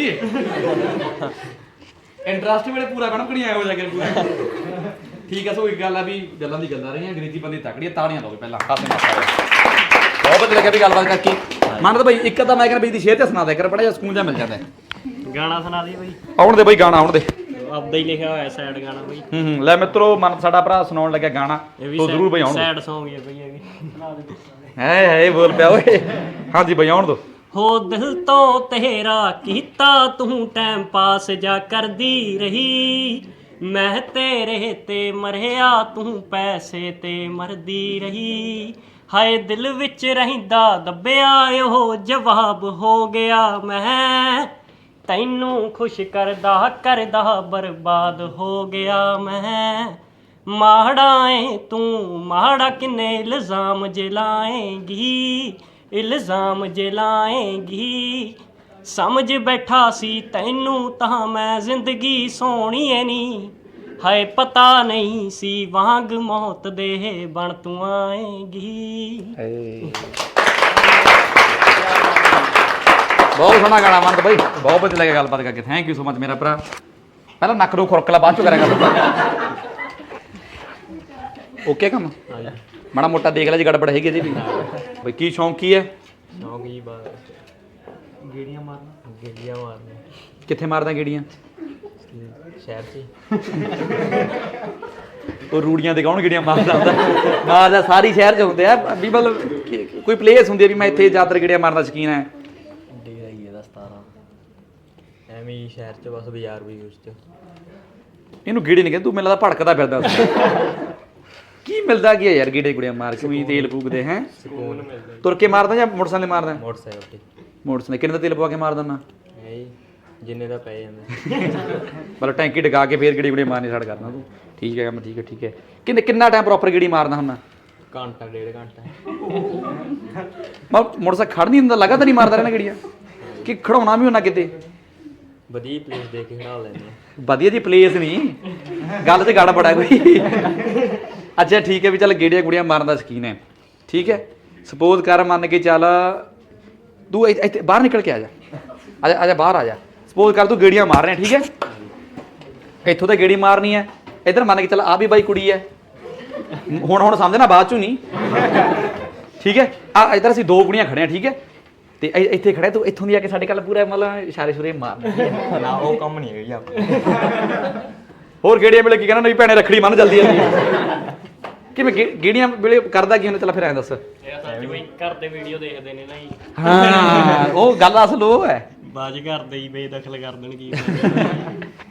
S2: ਇੰਟਰਸਟ ਵੇਲੇ ਪੂਰਾ ਕਣਕ ਨਹੀਂ ਆਇਆ ਹੋ ਜਾ ਕੇ ਪੂਰਾ ਠੀਕ ਹੈ ਸੋ ਇੱਕ ਗੱਲ ਆ ਵੀ ਗੱਲਾਂ ਦੀ ਗੱਲਾਂ ਰਹੀਆਂ ਅੰਗਰੇਜ਼ੀ ਬੰਦੇ ਤਕੜੀ ਤਾੜੀਆਂ ਲਾਓ ਪਹਿਲਾਂ ਕਾਸੇ ਮਾਸਾ ਬਹੁਤ ਵਧੀਆ ਲੱਗਿਆ ਵੀ ਗੱਲਬਾਤ ਕਰਕੇ ਮੰਨ ਤਾਂ ਬਈ ਇੱਕ ਤਾਂ ਮੈਂ ਕਹਿੰਦਾ ਬਈ ਦੀ ਸ਼ੇਅਰ ਤੇ ਸੁਣਾ ਦੇ ਕਰ ਬੜਾ ਜਿਹਾ ਸਕੂਨ ਜਿਹਾ ਮਿਲ ਜਾਂਦਾ
S1: ਗਾਣਾ ਸੁਣਾ ਦੇ ਬਈ
S2: ਆਉਣ ਦੇ ਬਈ ਗਾਣਾ ਆਉਣ ਦੇ
S1: ਆਪਦਾ ਹੀ ਲਿਖਿਆ ਹੋਇਆ ਸੈਡ ਗਾਣਾ ਬਈ
S2: ਹੂੰ ਹੂੰ ਲੈ ਮਿੱਤਰੋ ਮਨ ਸਾਡਾ ਭਰਾ ਸੁਣਾਉਣ ਲੱਗਿਆ ਗਾਣਾ ਤੋ ਜ਼ਰੂਰ ਬਈ ਆਉਣ
S1: ਸੈਡ Song ਹੀ ਹੈ ਬਈ ਇਹ ਵੀ
S2: ਹੈ ਹੈ ਬੋਲ ਪਿਆ ਓਏ ਹਾਂਜੀ ਬਈ ਆਉਣ ਦੋ
S1: ਹੋ ਦਿਲ ਤੋਂ ਤੇਰਾ ਕੀਤਾ ਤੂੰ ਟਾਈਮ ਪਾਸ ਜਾ ਕਰਦੀ ਰਹੀ ਮੈਂ ਤੇਰੇ ਤੇ ਮਰਿਆ ਤੂੰ ਪੈਸੇ ਤੇ ਮਰਦੀ ਰਹੀ ਹਾਏ ਦਿਲ ਵਿੱਚ ਰਹਿੰਦਾ ਦੱਬਿਆ ਉਹ ਜਵਾਬ ਹੋ ਗਿਆ ਮੈਂ ਤੈਨੂੰ ਖੁਸ਼ ਕਰਦਾ ਕਰਦਾ ਬਰਬਾਦ ਹੋ ਗਿਆ ਮੈਂ ਮਾੜਾ ਏ ਤੂੰ ਮਾੜਾ ਕਿੰਨੇ ਇਲਜ਼ਾਮ ਜਲਾਏਂਗੀ ਇਲਜ਼ਾਮ ਜਲਾਏਂਗੀ ਸਮਝ ਬੈਠਾ ਸੀ ਤੈਨੂੰ ਤਾਂ ਮੈਂ ਜ਼ਿੰਦਗੀ ਸੋਹਣੀ ਏ ਨੀ ਹਾਏ ਪਤਾ ਨਹੀਂ ਸੀ ਵਾਂਗ ਮੌਤ ਦੇ ਬਣ ਤੂੰ ਆਏਂਗੀ
S2: ਬਹੁਤ ਸੋਹਣਾ ਗਾਣਾ ਮੰਨ ਬਈ ਬਹੁਤ ਵਧੀਆ ਲੱਗਿਆ ਗੱਲਬਾਤ ਕਰਕੇ ਥੈਂਕ ਯੂ ਸੋ ਮਚ ਮੇਰਾ ਭਰਾ ਪਹਿਲਾਂ ਨੱਕ ਨੂੰ ਖੁਰਕਲਾ ਬਾਅਦ ਚੋਂ ਕਰਿਆ ਕਰ ਓਕੇ ਕੰਮ ਮਾੜਾ ਮੋਟਾ ਦੇਖ ਲੈ ਜੀ ਗੜਬੜ ਹੈਗੀ ਇਹਦੀ ਵੀ ਬਈ ਕੀ ਸ਼ੌਂਕ ਕੀ ਹੈ
S6: ਸ਼ੌਂਕ ਜੀ ਬਸ
S2: ਗੇੜੀਆਂ ਮਾਰਨਾ
S6: ਗੇੜੀਆਂ ਮਾਰਨੇ
S2: ਕਿੱਥੇ ਮਾਰਦਾ ਗੇੜੀਆਂ
S6: ਸ਼ਹਿਰ 'ਚ
S2: ਉਹ ਰੂੜੀਆਂ ਦੇ ਕੌਣ ਗੇੜੀਆਂ ਮਾਰਦਾ ਹੁੰਦਾ ਮਾਰਦਾ ਸਾਰੀ ਸ਼ਹਿਰ 'ਚ ਹੁੰਦੇ ਆ ਵੀ ਮਤਲਬ ਕਿ- ਕੋਈ ਪਲੇਸ ਹੁੰਦੀ ਆ ਵੀ ਮੈਂ ਇੱਥੇ ਜ਼ਿਆਦਾਤਰ ਗੇੜੀਆਂ ਮਾਰਨ ਦਾ ਸ਼ੌਕੀਨ ਹੈ
S6: ਡੇਰਾ ਹੀ ਇਹਦਾ ਸਤਾਰਾਂ ਐਵੇਂ ਹੀ ਸ਼ਹਿਰ 'ਚ ਬਸ ਬਾਜ਼ਾਰ ਵੀ ਉਸ 'ਚ
S2: ਇਹਨੂੰ ਗੇੜੇ ਨਹੀਂ ਕਹਿੰਦੇ ਤੂੰ ਮੈਨੂੰ ਲੱਗਦਾ ਭੜਕਦਾ ਫਿਰਦਾ ਉੱਥੇ। ਕੀ ਮਿਲਦਾ ਕੀ ਹੈ ਯਾਰ ਗੇੜੇ ਗੁੜੀਆਂ ਮਾਰ ਕੇ ਵੀ ਤੇਲ ਫੂਕਦੇ ਹੈ
S6: ਸਕੂਨ ਮਿਲਦਾ
S2: ਤੁਰ ਕੇ ਮਾਰਦਾ ਜਾਂ ਮੋਟਰਸਾਈਕਲ ਮਾਰਦਾ
S6: ਮੋਟਰਸਾਈਕਲ ਤੇ
S2: ਮੋਟਰਸਾਈਕਲ ਕਿੰਨੇ ਦਾ ਤੇਲ ਪਵਾ ਕੇ ਮਾਰ ਦਿੰਦਾ
S6: ਹੈ ਜੀ ਜਿੰਨੇ ਦਾ ਪੈ ਜਾਂਦਾ
S2: ਮਤਲਬ ਟੈਂਕੀ ਟਿਕਾ ਕੇ ਫੇਰ ਗੇੜੀ ਗੁੜੀ ਮਾਰਨੀ ਸਟਾਰਟ ਕਰਦਾ ਤੂੰ ਠੀਕ ਹੈ ਕੰਮ ਠੀਕ ਹੈ ਠੀਕ ਹੈ ਕਿੰਨੇ ਕਿੰਨਾ ਟਾਈਮ ਪ੍ਰੋਪਰ ਗੇੜੀ ਮਾਰਦਾ ਹੁੰਦਾ
S6: ਘੰਟਾ ਡੇਢ ਘੰਟਾ
S2: ਮੈਂ ਮੋਟਰਸਾਈਕਲ ਖੜ ਨਹੀਂ ਹੁੰਦਾ ਲਗਾਤਾਰ ਨਹੀਂ ਮਾਰਦਾ ਰਹਿਣਾ ਗੇੜੀਆਂ ਕਿ ਖੜਾਉਣਾ ਵੀ ਹੁੰਦਾ ਕਿਤੇ
S6: ਵਧੀਆ ਪਲੇਸ ਦੇ ਕੇ ਖੜਾ ਲੈਂਦੇ ਆ
S2: ਵਧੀਆ ਜੀ ਪਲੇਸ ਨਹੀਂ ਗੱਲ ਤੇ ਗਾੜਾ ਬੜਾ ਕੋਈ ਅੱਛਾ ਠੀਕ ਹੈ ਵੀ ਚੱਲ ਗੇੜੀਆਂ ਗੁੜੀਆਂ ਮਾਰਨ ਦਾ ਸ਼ੌਕੀਨ ਹੈ ਠੀਕ ਹੈ ਸਪੋਜ਼ ਕਰ ਮੰਨ ਕੇ ਚੱਲ ਤੂੰ ਇੱਥੇ ਇੱਥੇ ਬਾਹਰ ਨਿਕਲ ਕੇ ਆ ਜਾ ਆ ਜਾ ਆ ਜਾ ਬਾਹਰ ਆ ਜਾ ਸਪੋਜ਼ ਕਰ ਤੂੰ ਗੇੜੀਆਂ ਮਾਰ ਰਿਹਾ ਠੀਕ ਹੈ ਇੱਥੋਂ ਤਾਂ ਗੇੜੀ ਮਾਰਨੀ ਹੈ ਇੱਧਰ ਮੰਨ ਕੇ ਚੱਲ ਆ ਵੀ ਬਾਈ ਕੁੜੀ ਹੈ ਹੁਣ ਹੁਣ ਸਮਝਣਾ ਬਾਅਦ ਚੋਂ ਨਹੀਂ ਠੀਕ ਹੈ ਆ ਇੱਧਰ ਅਸੀਂ ਦੋ ਕੁੜੀਆਂ ਖੜੇ ਆ ਠੀਕ ਹੈ ਤੇ ਇ- ਇੱਥੇ ਖੜੇ ਤੂੰ ਇੱਥੋਂ ਦੀ ਆ ਕੇ ਸਾਡੇ ਕੱਲ ਪੂਰਾ ਮਤਲਬ ਇਸ਼ਾਰੇ ਸ਼ੁਰੇ ਮਾਰ
S6: ਨਾ ਉਹ ਕੰਮ ਨਹੀਂ ਹੈ ਜੀ ਆਪਾਂ
S2: ਹੋਰ ਗੇੜੀਆਂ ਵੇਲੇ ਕੀ ਕਹਿਣਾ ਨਹੀਂ ਭੈਣੇ ਰੱਖੜੀ ਮੰਨ ਜਲਦੀ ਜਲਦੀ ਕਿਵੇਂ ਗੇ- ਗੇੜੀਆਂ ਵੇਲੇ ਕਰਦਾ ਕੀ ਹੁੰਦਾ ਚੱਲ ਫਿਰ ਐਂ ਦੱਸ
S1: ਇਹ ਸੱਚ ਬਈ ਘਰ ਦੇ ਵੀਡੀਓ ਦੇਖਦੇ ਨੇ ਨਾ ਜੀ
S2: ਹਾਂ ਉਹ ਗੱਲ ਅਸਲ ਉਹ ਹੈ
S1: ਬਾਜ ਘਰ ਦੇ ਹੀ ਬੇਦਖਲ ਕਰ ਦੇਣਗੇ